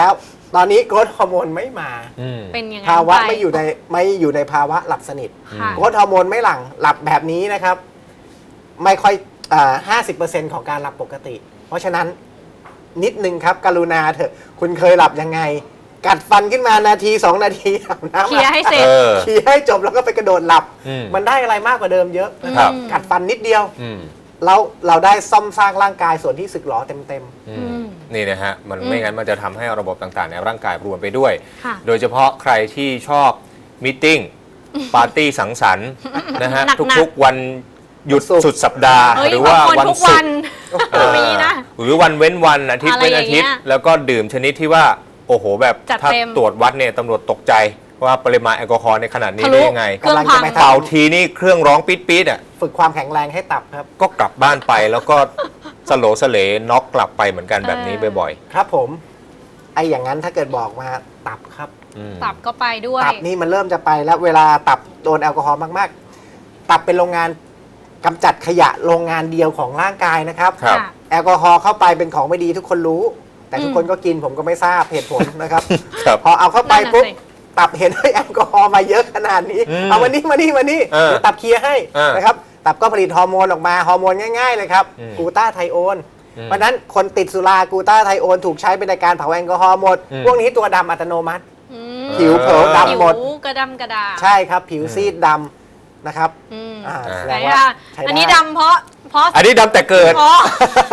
Speaker 3: ตอนนี้โกรทฮอร์โมนไม่มา
Speaker 4: อืม
Speaker 2: เป็นยังไง
Speaker 3: ภาวะ
Speaker 2: ป
Speaker 3: ไม่อยู่ในไม่อยู่ในภาวะหลับสนิท
Speaker 2: ค่ะ
Speaker 3: โกรทฮอร์โมนไม่หลั่งหลับแบบนี้นะครับ ไม่ค่อยห้าสิบเปอร์เซ็นต์ของการหลับปกติ เพราะฉะนั้นนิดนึงครับ กรุณาเถอะคุณเคยหลับยังไง กัดฟันขึ้นมานาทีสองนาทีอาบน้ำ
Speaker 2: เคลียร์ให้เสร็จ
Speaker 4: เออ
Speaker 3: เคลียร์ให้จบแล้วก็ไปกระโดดหลับ
Speaker 4: อืม
Speaker 3: มันได้อะไรมากกว่าเดิมเยอะนะค
Speaker 4: ครั
Speaker 3: รับ
Speaker 4: บ
Speaker 3: กัดฟันนิดเดียว
Speaker 4: อืม
Speaker 3: เราเราได้ซ่อมสร้างร่างกายส่วนที่สึกหรอเต็ม
Speaker 4: อื
Speaker 2: อื
Speaker 4: ม
Speaker 2: ม
Speaker 4: นี่นะฮะ มัน
Speaker 2: อืม
Speaker 4: ไม่งั้นมันจะทำให้ระบบต่างๆในร่างกายรวนไปด้วย
Speaker 2: ค่ะ
Speaker 4: โดยเฉพาะใครที่ชอบมิทติ้งปาร์ตี้สังสรรค์นะฮะ
Speaker 2: หนักๆ
Speaker 4: ทุกๆวันหยุด
Speaker 3: ศุกร์
Speaker 4: สุดสัปดาห์
Speaker 2: เฮ้ย
Speaker 4: หรือบ
Speaker 2: า
Speaker 4: ว่าง
Speaker 2: คน
Speaker 4: วัน
Speaker 2: ทุก
Speaker 4: ศุ
Speaker 2: วั
Speaker 4: ก
Speaker 2: น
Speaker 4: ร์
Speaker 2: มีนะ
Speaker 4: หรือวันเว้นวันอาทิตย์
Speaker 2: อะไร
Speaker 4: เว้นอาทิตย์
Speaker 2: อย่างเงี้ย
Speaker 4: แล้วก็ดื่มชนิดที่ว่า โอ้โหแบบ
Speaker 2: จัด
Speaker 4: ถ้า
Speaker 2: เต็ม
Speaker 4: ตรวจวัดเนี่ยตำรวจตกใจว่าปริมาณแอลกอฮอล์ในขนาดนี้
Speaker 2: ทะ
Speaker 4: ได้
Speaker 2: ลุ
Speaker 4: ยังไง
Speaker 2: เครื่องพัง
Speaker 3: กำลังจะไป
Speaker 4: เป่าทีนี่เครื่องร้องปี๊ดปี๊ดอ่ะ
Speaker 3: ๆ ฝึกความแข็งแรงให้ตับครับ
Speaker 4: ก็กลับบ้านไปแล้วก็สโลสเลน็อกกลับไปเหมือนกันแบบนี้บ่อย
Speaker 3: ครับผม ไอ้อย่างนั้นถ้าเกิดบอกมาตับครับ
Speaker 4: ๆอืม
Speaker 2: ตับก็ไปด้วย
Speaker 3: ตับนี่มันเริ่มจะไปแล้วเวลาตับโดนแอลกอฮอล์มากๆ ตับเป็นโรงงานกำจัดขยะโรงงานเดียวของร่างกายนะครับ
Speaker 4: ครับ
Speaker 2: ค่ะ
Speaker 3: แอลกอฮอล์เข้าไปเป็นของไม่ดีทุกคนรู้ แต่ทุก
Speaker 2: อืม
Speaker 3: คนก็กินผมก็ไม่ทราบเหตุผลนะครับ
Speaker 4: ครับ
Speaker 3: พอเอาเข้าไป
Speaker 2: นั่นน่ะ
Speaker 3: ปุ๊บ
Speaker 2: สิ
Speaker 3: ตับเห็นให้แอลกอฮอล์มาเยอะขนาดนี้
Speaker 4: อืม
Speaker 3: เอามานี่มานี่มานี่
Speaker 4: เออ
Speaker 3: เดี๋ยวตับเคลียร์ให้
Speaker 4: เออ
Speaker 3: นะครับตับก็ผลิตฮอร์โมนออกมาฮอร์โมนง่ายๆเลยครับ
Speaker 4: อืม
Speaker 3: กลูตาไทโอน
Speaker 4: อืม
Speaker 3: เพราะฉะนั้นคนติดสุรากลูตาไทโอนถูกใช้เป็นในการเผาแอลกอฮอล์หมด
Speaker 4: อืม
Speaker 3: พวกนี้ตัวดำอัตโนมัติ
Speaker 2: อืม
Speaker 3: ผิวเผลอดำหมด
Speaker 2: ผิวกระดำกระดา
Speaker 3: ใช่ครับผิวซีดดำนะครับ
Speaker 2: อืม
Speaker 3: อ่า
Speaker 4: อ่า
Speaker 3: แส
Speaker 2: ไหน
Speaker 3: ดงว่า
Speaker 2: อ่ะ
Speaker 3: ใช้
Speaker 2: อันนี้
Speaker 3: ได้
Speaker 2: ดำเพราะเพราะ
Speaker 4: อันนี้ดำแต่เกิด
Speaker 2: เพราะ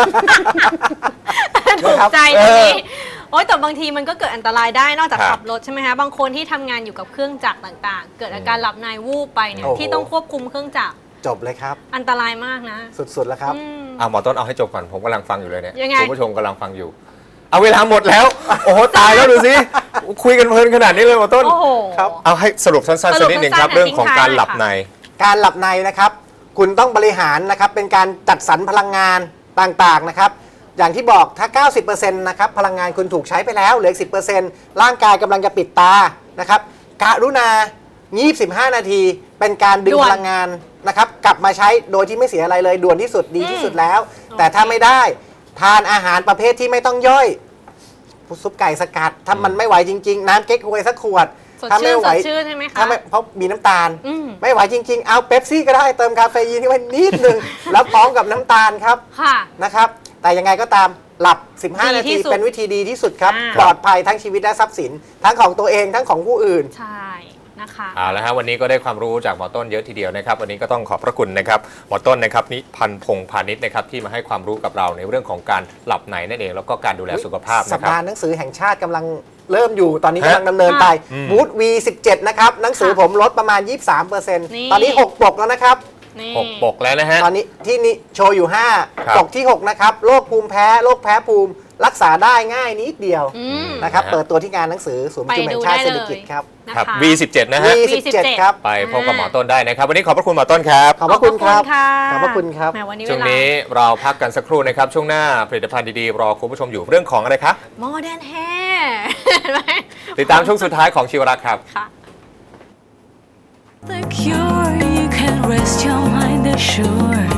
Speaker 2: ถูก
Speaker 3: นะครับ
Speaker 2: ใจตรงนี้โอ๊ยแต่บางทีมันก็เกิดอันตรายได้นอกจาก
Speaker 4: ครับ
Speaker 2: ขับรถใช่ไหมคะบางคนที่ทำงานอยู่กับเครื่องจักรต่างๆ เกิดอาการหลับในวูบไปเนี่ย
Speaker 3: โอ้โห
Speaker 2: ที่ต้องควบคุมเครื่องจักร
Speaker 3: จบเลยครับ
Speaker 2: อันตรายมากนะ
Speaker 3: สุดๆแล้วครับ
Speaker 2: อืม
Speaker 4: อ่ะหมอต้นเอาให้จบก่อนผมกำลังฟังอยู่เลยเนี่ย
Speaker 2: ยังไง
Speaker 4: คุณผู้ชมกำลังฟังอยู่ เอาเวลาหมดแล้ว โอ้โหตายแล้วดูสิคุยกันเพลินขนาดนี้เลยหมอต้น
Speaker 2: โอ้โห
Speaker 3: ครับ
Speaker 4: เอาให้สรุปสั้นๆ
Speaker 2: สรุ
Speaker 4: สัก
Speaker 2: ป
Speaker 4: นิดหนึ่งครับ
Speaker 2: สั้นๆ
Speaker 4: เรื่องของการหลับใน
Speaker 3: การหลับในนะครับ คุณต้องบริหารนะครับ เป็นการจัดสรรพลังงานต่างๆนะครับ อย่างที่บอกถ้า เก้าสิบเปอร์เซ็นต์ นะครับ พลังงานคุณถูกใช้ไปแล้ว เหลืออีกสิบเปอร์เซ็นต์ ร่างกายกำลังจะปิดตานะครับกรุณายี่สิบห้านาที เป็นการดึง
Speaker 2: ด่วน
Speaker 3: พลังงานนะครับ กลับมาใช้โดยที่ไม่เสียอะไรเลย ด่วนที่สุดดีที่สุดแล้ว
Speaker 2: อืม
Speaker 3: แต่ถ้าไม่ได้ ทานอาหารประเภทที่ไม่ต้องย่อยซุปไก่สกัด ถ้ามันไม่ไหวจริง ๆ น้ำเก๊กฮวยสักขวด
Speaker 2: สด
Speaker 3: ถ้า
Speaker 2: ชื่
Speaker 3: ไม่
Speaker 2: น
Speaker 3: ไห
Speaker 2: ส
Speaker 3: ว
Speaker 2: ดชื่นใช่ไหมคะ
Speaker 3: ถ้าไม่เพราะมีน้ำตาล
Speaker 2: อืม
Speaker 3: ไม่ไหวจริง ๆ เอาเป๊ปซี่ก็ได้เติมคาเฟอีนเข้าไปนิดหนึ่ง แล้วพร้อมกับน้ำตาลครับ
Speaker 2: ค่ะ
Speaker 3: นะครับ แต่ยังไงก็ตามหลับ สิบห้า
Speaker 2: ดี
Speaker 3: นา
Speaker 2: ที่
Speaker 3: ที
Speaker 2: สุด
Speaker 3: เป็นวิธีดีที่สุดครับ
Speaker 2: อ่า
Speaker 3: ปลอดภัยทั้งชีวิตและทรัพย์สิน ทั้งของตัวเองทั้งของผู้อื่น
Speaker 2: ใช่นะคะ
Speaker 4: เอาละฮะวันนี้ก็ได้ความรู้จากหมอต้นเยอะทีเดียวนะครับ วันนี้ก็ต้องขอบพระคุณนะครับหมอต้นนะครับนิพันธ์พงษ์พาณิชย์นะครับที่มาให้ความรู้กับเราในเรื่องของการหลับในนั่นเอง แล้วก็การดูแลสุขภาพ
Speaker 3: สั
Speaker 4: นะ
Speaker 3: ป
Speaker 4: ครับ
Speaker 3: ดาห์หนังสือแห่งชาติกำลังเริ่มอยู่ตอนนี้
Speaker 4: ฮะ
Speaker 3: กำลังดำเนินไป
Speaker 4: อืม
Speaker 3: บูธ วี สิบเจ็ด นะครับ หนังสือ
Speaker 2: ค่ะ
Speaker 3: ผมลดประมาณ ยี่สิบสามเปอร์เซ็นต์
Speaker 2: นี่
Speaker 3: ตอนนี้ หก ปกแล้วนะครับ
Speaker 2: นี่
Speaker 4: หกปกแล้วนะฮะ
Speaker 3: ตอนนี้ที่นี่โชว์อยู่ ห้า
Speaker 4: ครับ
Speaker 3: ปกที่ หก นะครับโรคภูมิแพ้โรคแพ้ภูมิ รักษาได้ง่ายนิดเดียว
Speaker 2: อืม
Speaker 3: นะครับ
Speaker 4: นะฮะ
Speaker 3: เปิดตัวที่งานหนังสือศูนย์ประชุมแห่งชาติ
Speaker 2: ไป
Speaker 3: เศร
Speaker 2: ดู
Speaker 3: ษ
Speaker 2: ได้
Speaker 3: ฐกิจครับ
Speaker 2: นะ
Speaker 4: ครั
Speaker 2: คะ
Speaker 4: บ วี สิบเจ็ด นะฮะ
Speaker 3: วี สิบเจ็ด ครับ
Speaker 4: ไปพบกับหมอต้นได้นะครับ วันนี้ขอบพระคุณหมอต้นครับ
Speaker 3: ขอบพระคุณครับ
Speaker 2: ข
Speaker 3: ข
Speaker 2: อ
Speaker 3: อ
Speaker 2: บบ พ
Speaker 3: พ
Speaker 2: ระ
Speaker 3: ระ
Speaker 2: คุ
Speaker 3: คุณ ณ
Speaker 2: ค
Speaker 3: ค
Speaker 2: รั
Speaker 3: รั
Speaker 2: บบ แหมวันนี้
Speaker 4: ช่วง
Speaker 2: เวลา
Speaker 4: นี้เราพักกันสักครู่นะครับ ช่วงหน้าผลิตภัณฑ์ดีๆ รอคุณผู้ชมอยู่เรื่องของอะไรคะ
Speaker 2: Modern Hair เห็นไหม
Speaker 4: ติดตามช่วงสุดท้ายของชีวรักษ์ครับ
Speaker 2: ค่ะ
Speaker 1: The cure, you can rest your mind assured